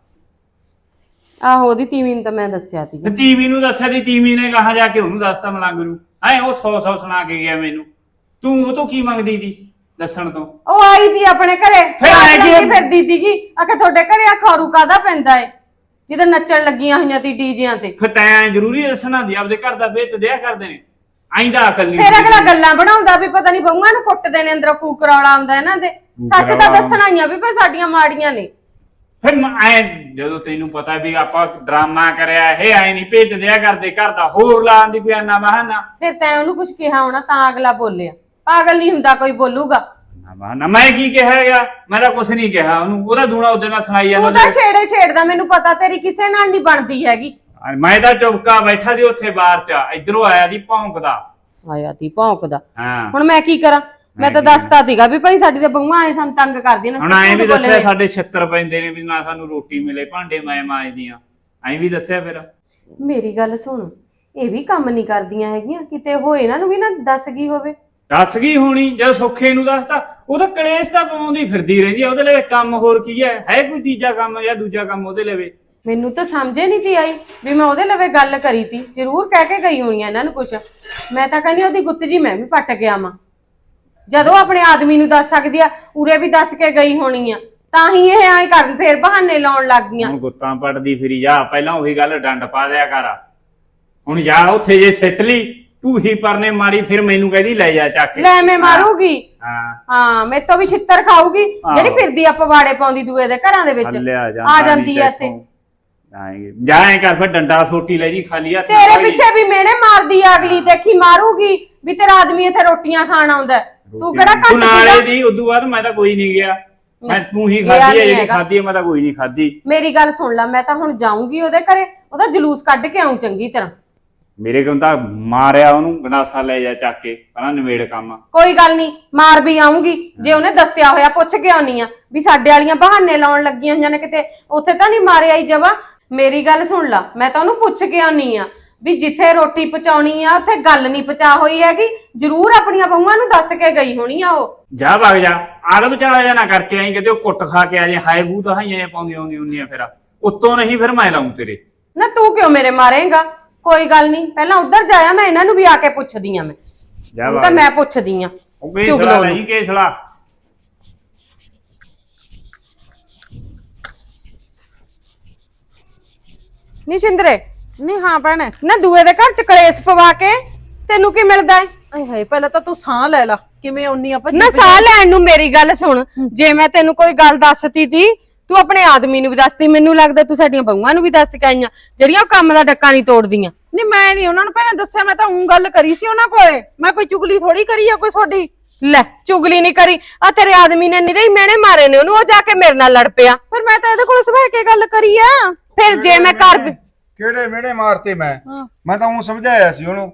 ਆਹੋ ਉਹਦੀ ਤੀਵੀਂ ਨੂੰ ਤਾਂ ਮੈਂ ਦੱਸਿਆ ਸੀ। ਤੀਵੀ ਨੂੰ ਦੱਸਿਆ ਦੀ, ਤੀਵੀ ਨੇ ਕਹਾ ਜਾ ਕੇ ਉਹਨੂੰ ਦੱਸਤਾ ਮਲੰਗ ਨੂੰ। ਐ ਉਹ 100 ਸੁਣਾ ਕੇ ਗਿਆ ਮੈਨੂੰ। ਤੂੰ ਉਹ ਤੋਂ ਕੀ ਮੰਗਦੀ ਦੀ ਦੱਸਣ ਤੋਂ? ਉਹ ਆਈ ਦੀ ਆਪਣੇ ਘਰੇ ਫਿਰ ਆਏ ਕੀ? ਫਿਰਦੀ ਸੀਗੀ ਆਖੇ ਤੁਹਾਡੇ ਘਰੇ ਆ ਖਾਰੂ ਕਾਦਾ ਪੈਂਦਾ ਏ ਜਿਹਦੇ ਨੱਚਣ ਲੱਗੀਆਂ ਹੋਈਆਂ ਤੀ ਡੀਜਿਆਂ ਤੇ। ਫਿਰ ਤੈਂ ਜ਼ਰੂਰੀ ਦੱਸਣਾ ਦੀ ਆਪਦੇ ਘਰ ਦਾ ਵੇਚ ਦਿਆ ਕਰਦੇ ਨੇ। ਆਇਂਦਾ ਅਕਲ ਨਹੀਂ। ਫੇਰ ਅਗਲਾ ਗੱਲਾਂ ਬਣਾਉਂਦਾ ਵੀ ਪਤਾ ਨਹੀਂ ਬਹੂਆਂ ਨੂੰ ਕੁੱਟਦੇ ਨੇ, ਅੰਦਰੋਂ ਕੂਕਰੌਲਾ ਆਉਂਦਾ ਇਹਨਾਂ ਦੇ। ਸੱਚ ਤਾਂ ਦੱਸਣਾ ਹੀ ਆ ਵੀ ਭਾਈ ਸਾਡੀਆਂ ਮਾੜੀਆਂ ਨੇ। ਫਿਰ ਐ ਜਦੋਂ ਤੈਨੂੰ ਪਤਾ ਵੀ ਆਪਾਂ ਡਰਾਮਾ ਕਰਿਆ ਇਹ ਐ ਨਹੀਂ ਭੇਜ ਦਿਆ ਕਰਦੇ ਘਰ ਦਾ, ਹੋਰ ਲਾਉਣ ਦੀ ਕੋਈ ਆਨਾ ਬਹਾਨਾ। ਫਿਰ ਤੈਂ ਉਹਨੂੰ ਕੁਝ ਕਿਹਾ ਹੋਣਾ ਤਾਂ ਅਗਲਾ ਬੋਲਿਆ। ਪਾਗਲ ਨਹੀਂ ਹੁੰਦਾ ਕੋਈ ਬੋਲੂਗਾ। ਨਾ ਮੈਂ ਕੀ ਕਿਹਾ ਹੈਗਾ? ਮੈਂ ਤਾਂ ਕੁਛ ਨਹੀਂ ਕਿਹਾ ਉਹਨੂੰ। ਉਹਦਾ ਦੂਣਾ ਉਹਦੇ ਨਾਲ ਸੁਣਾਈ ਤੂੰ ਜਾਂਦਾ। ਤਾਂ ਛੇੜੇ ਛੇੜਦਾ, ਮੈਨੂੰ ਪਤਾ ਤੇਰੀ ਕਿਸੇ ਨਾਲ ਨਹੀਂ ਬਣਦੀ ਹੈਗੀ। ਮੈਂ ਤਾਂ ਚੁਪਕਾ ਬੈਠਾ ਦੀ ਉੱਥੇ ਬਾਹਰ ਚ, ਇਧਰੋਂ ਆਇਆ ਦੀ ਭੌਂਕਦਾ। ਆਇਆ ਤੀ ਭੌਂਕਦਾ। ਹਾਂ ਹੁਣ ਮੈਂ ਕੀ ਕਰਾਂ? ਮੈਂ ਤਾਂ ਦੱਸਤਾ ਸੀਗਾ ਵੀ ਭਾਈ ਸਾਡੀ ਤਾਂ ਬਹੂਆਂ ਐ ਸਾਨੂੰ ਤੰਗ ਕਰਦੀਆਂ ਨੇ। ਹੁਣ ਐਂ ਵੀ ਦੱਸਿਆ ਸਾਡੇ 76 ਪੈਂਦੇ ਨੇ ਵੀ ਨਾ ਸਾਨੂੰ ਰੋਟੀ ਮਿਲੇ, ਭਾਂਡੇ ਮੈਂ ਮਾਂਜਦੀਆਂ। ਐਂ ਵੀ ਦੱਸਿਆ ਫਿਰ। ਮੇਰੀ ਗੱਲ ਸੁਣ, ਇਹ ਵੀ ਕੰਮ ਨਹੀਂ ਕਰਦੀਆਂ ਹੈਗੀਆਂ, ਕਿਤੇ ਹੋਏ ਇਹਨਾਂ ਨੂੰ ਵੀ ਨਾ ਦੱਸ ਗਈ ਹੋਵੇ। ਦੱਸ ਗਈ ਹੋਣੀ, ਜਦ ਸੁੱਖੇ ਨੂੰ ਦੱਸਤਾ। ਉਹ ਤਾਂ ਕਲੇਸ਼ ਤਾਂ ਪਾਉਂਦੀ ਫਿਰਦੀ ਰਹਿੰਦੀ ਆ। ਉਹਦੇ ਲਈ ਕੰਮ ਹੋਰ ਕੀ ਹੈ ਕੋਈ ਤੀਜਾ ਕੰਮ ਜਾਂ ਦੂਜਾ ਕੰਮ ਉਹਦੇ ਲਈ? ਮੈਨੂੰ ਤਾਂ ਸਮਝੇ ਨਹੀਂ ਤੀ ਆਈ ਵੀ ਮੈਂ ਉਹਦੇ ਲਵੇ ਗੱਲ ਕਰੀ ਤੀ। ਜ਼ਰੂਰ ਕਹਿ ਕੇ ਗਈ ਹੋਣੀ ਆ ਇਹਨਾਂ ਨੂੰ ਕੁਛ। ਮੈਂ ਤਾਂ ਕਹਿੰਦੀ ਉਹਦੀ ਗੁੱਤ ਜੀ ਮੈਂ ਵੀ ਪੱਟ ਗਿਆ ਵਾਂ। ਜਦੋਂ ਆਪਣੇ ਆਦਮੀ ਨੂੰ ਦੱਸ ਸਕਦੀ ਆ, ਉਰੇ ਵੀ ਦੱਸ ਕੇ ਗਈ ਹੋਣੀ ਆ, ਤਾਂ ਹੀ ਇਹ ਐਂ ਕਰਨ ਫੇਰ ਬਹਾਨੇ ਲਾਉਣ ਲੱਗ ਗਈਆਂ। ਹੁਣ ਗੁੱਤਾਂ ਪੜਦੀ ਫਿਰੀ ਜਾ। ਪਹਿਲਾਂ ਉਹੀ ਗੱਲ ਡੰਡ ਪਾ ਦਿਆ ਕਰ। ਹੁਣ ਜਾ ਉੱਥੇ ਜੇ ਸਿੱਟ ਲਈ ਤੂੰ ਹੀ ਪਰਨੇ ਮਾਰੀ, ਫਿਰ ਮੈਨੂੰ ਕਹਿੰਦੀ ਲੈ ਜਾ ਚੱਕ ਕੇ। ਲੈ ਮੈਂ ਮਾਰੂਗੀ। ਹਾਂ ਹਾਂ ਮੇਰੇ ਤੋਂ ਵੀ ਛਿੱਤਰ ਖਾਊਗੀ ਜਿਹੜੀ ਫਿਰਦੀ ਆ ਪਵਾੜੇ ਪਾਉਂਦੀ ਦੂਏ ਦੇ ਘਰਾਂ ਦੇ ਵਿੱਚ। ਆ ਜਾਂਦੀ ਆ ਇੱਥੇ। ਜਾਏ ਕਰ ਫਿਰ ਡੰਡਾ ਸੋਟੀ ਲੈ ਜੀ ਖਾਲੀ ਹੱਥ। ਤੇਰੇ ਪਿੱਛੇ ਵੀ ਮੇਨੇ ਮਾਰਦੀ ਆ ਅਗਲੀ, ਦੇਖੀ ਮਾਰੂਗੀ ਵੀ ਤੇਰਾ ਆਦਮੀ ਇੱਥੇ ਰੋਟੀਆਂ ਖਾਣ ਆਉਂਦਾ। ਤੂੰ ਕਿਹੜਾ ਤੂੰ ਨਾਲੇ ਘੱਟ ਦੀ ਉਦੋਂ ਬਾਅਦ ਮੈਂ ਤਾਂ ਕੋਈ ਨਹੀਂ ਗਿਆ। ਮੈਂ ਤੂੰ ਹੀ ਗਿਆ ਖਾਧੀ ਹੈ ਨੀ ਜਿਹੜੀ ਹੈਗਾ। ਖਾਧੀ ਹੈ, ਮੈਂ ਤਾਂ ਕੋਈ ਨਹੀਂ ਖਾਧੀ। ਮੇਰੀ ਗੱਲ ਸੁਣ ਲੈ, ਮੈਂ ਤਾਂ ਹੁਣ ਜਾਊਂਗੀ ਉਹਦੇ ਘਰੇ, ਉਹਦਾ ਜਲੂਸ ਕੱਢ ਕੇ ਆਉਂ ਚੰਗੀ ਤਰ੍ਹਾਂ। ਮੇਰੇ ਕੋਲ ਤਾਂ ਮਾਰਿਆ ਉਹਨੂੰ, ਗਨਾਸਾ ਲੈ ਜਾ ਚੱਕ ਕੇ ਪਹਿਲਾਂ ਨਿਬੇੜ ਕੰਮ। ਕੋਈ ਗੱਲ ਨਹੀਂ, ਮਾਰ ਵੀ ਆਉਂਗੀ ਜੇ ਉਹਨੇ ਦੱਸਿਆ ਹੋਇਆ। ਪੁੱਛ ਕੇ ਆਉਣੀ ਆ ਵੀ ਸਾਡੇ ਵਾਲੀਆਂ ਬਹਾਨੇ ਲਾਉਣ ਲੱਗੀਆਂ ਹੋਈਆਂ ਨੇ, ਕਿਤੇ ਉੱਥੇ ਤਾਂ ਨਹੀਂ ਮਾਰਿਆ ਹੀ ਜਵਾ। ਮੇਰੀ ਗੱਲ ਸੁਣ ਲਾ, ਮੈਂ ਤਾਂ ਉਹਨੂੰ ਪੁੱਛ ਕੇ ਆਉਣੀ ਆ ਵੀ ਜਿੱਥੇ ਰੋਟੀ ਪਹੁੰਚਾਉਣੀ ਆ ਉੱਥੇ ਗੱਲ ਨਹੀਂ ਪਹੁੰਚਾ ਹੋਈ ਹੈਗੀ। ਜ਼ਰੂਰ ਆਪਣੀਆਂ ਬਹੂਆਂ ਨੂੰ ਦੱਸ ਕੇ ਗਈ ਹੋਣੀ ਆ ਉਹ। ਜਾ ਵਗ ਜਾ, ਆਗ ਵਿਚਾਲਾ ਜਾ ਨਾ ਕਰਕੇ ਆਈ ਕਿਤੇ ਉਹ ਕੁੱਟ ਖਾ ਕੇ ਆ ਜੇ। ਹਾਏ ਬੂ ਤਾਂ ਹਾਈਆਂ ਪਾਉਂਦੀ ਆਉਂਦੀ ਹੁੰਦੀਆਂ ਫਿਰ ਉੱਤੋਂ ਨਹੀਂ, ਫਿਰ ਮੈਂ ਲਾਉਂ ਤੇਰੇ। ਨਾ ਤੂੰ ਕਿਉਂ ਮੇਰੇ ਮਾਰੇਂਗਾ? ਕੋਈ ਗੱਲ ਨਹੀਂ, ਪਹਿਲਾਂ ਉੱਧਰ ਜਾਇਆ, ਮੈਂ ਇਹਨਾਂ ਨੂੰ ਵੀ ਆ ਕੇ ਪੁੱਛਦੀ ਆ। ਮੈਂ ਜਾ ਹੁਣ ਤਾਂ ਮੈਂ ਪੁੱਛਦੀ ਆ। ਉਹ ਕੇਸਲਾ ਨਹੀਂ ਕੇਸਲਾ। ਨੀ ਸ਼ਿੰਦਰੇ, ਨਹੀਂ ਹਾਂ ਭੈਣੇ। ਨਾ ਦੂਏ ਦੇ ਘਰ ਚ ਕਲੇਸ਼ ਪਵਾ ਕੇ ਤੈਨੂੰ ਕੀ ਮਿਲਦਾ ਏ? ਆਏ ਹਾਏ ਪਹਿਲਾਂ ਤਾਂ ਤੂੰ ਸਾਹ ਲੈ ਲਾ। ਕਿਵੇਂ ਆਉਣੀ ਆ ਭੱਜੀ ਨਾ ਸਾਹ ਲੈਣ ਨੂੰ ਮੇਰੀ ਗੱਲ ਸੁਣ, ਜੇ ਮੈਂ ਤੈਨੂੰ ਕੋਈ ਗੱਲ ਦੱਸਤੀ ਤੀ, ਤੂੰ ਆਪਣੇ ਆਦਮੀ ਨੂੰ ਵੀ ਦੱਸਤੀ। ਮੈਨੂੰ ਲੱਗਦਾ ਤੂੰ ਸਾਡੀਆਂ ਬਹੂਆਂ ਨੂੰ ਵੀ ਦੱਸ ਕੇ ਆਈਆਂ ਜਿਹੜੀਆਂ ਉਹ ਕੰਮ ਦਾ ਡੱਕਾ ਨਹੀਂ ਤੋੜਦੀਆਂ। ਨਹੀਂ ਮੈਂ ਨਹੀਂ ਉਹਨਾਂ ਨੂੰ ਭੈਣੇ ਦੱਸਿਆ, ਮੈਂ ਤਾਂ ਉਹ ਗੱਲ ਕਰੀ ਸੀ ਉਹਨਾਂ ਕੋਲੇ। ਮੈਂ ਕੋਈ ਚੁਗਲੀ ਥੋੜੀ ਕਰੀ ਆ ਕੋਈ ਤੁਹਾਡੀ। ਲੈ ਚੁਗਲੀ ਨਹੀਂ ਕਰੀ, ਆ ਤੇਰੇ ਆਦਮੀ ਨੇ ਨਿਰੇ ਹੀ ਮਿਹਣੇ ਮਾਰੇ ਨੇ ਉਹਨੂੰ, ਉਹ ਜਾ ਕੇ ਮੇਰੇ ਨਾਲ ਲੜ ਪਿਆ। ਪਰ ਮੈਂ ਤਾਂ ਇਹਦੇ ਕੋਲ ਸਵੇਰ ਕੇ ਗੱਲ ਕਰੀ ਆ। ਫਿਰ ਜੇ ਮੈਂ ਘਰ ਕਿਹੜੇ ਮਿਹਣੇ ਮਾਰਤੇ ਮੈਂ ਤਾਂ ਉਹ ਸਮਝਾਇਆ ਸੀ ਉਹਨੂੰ।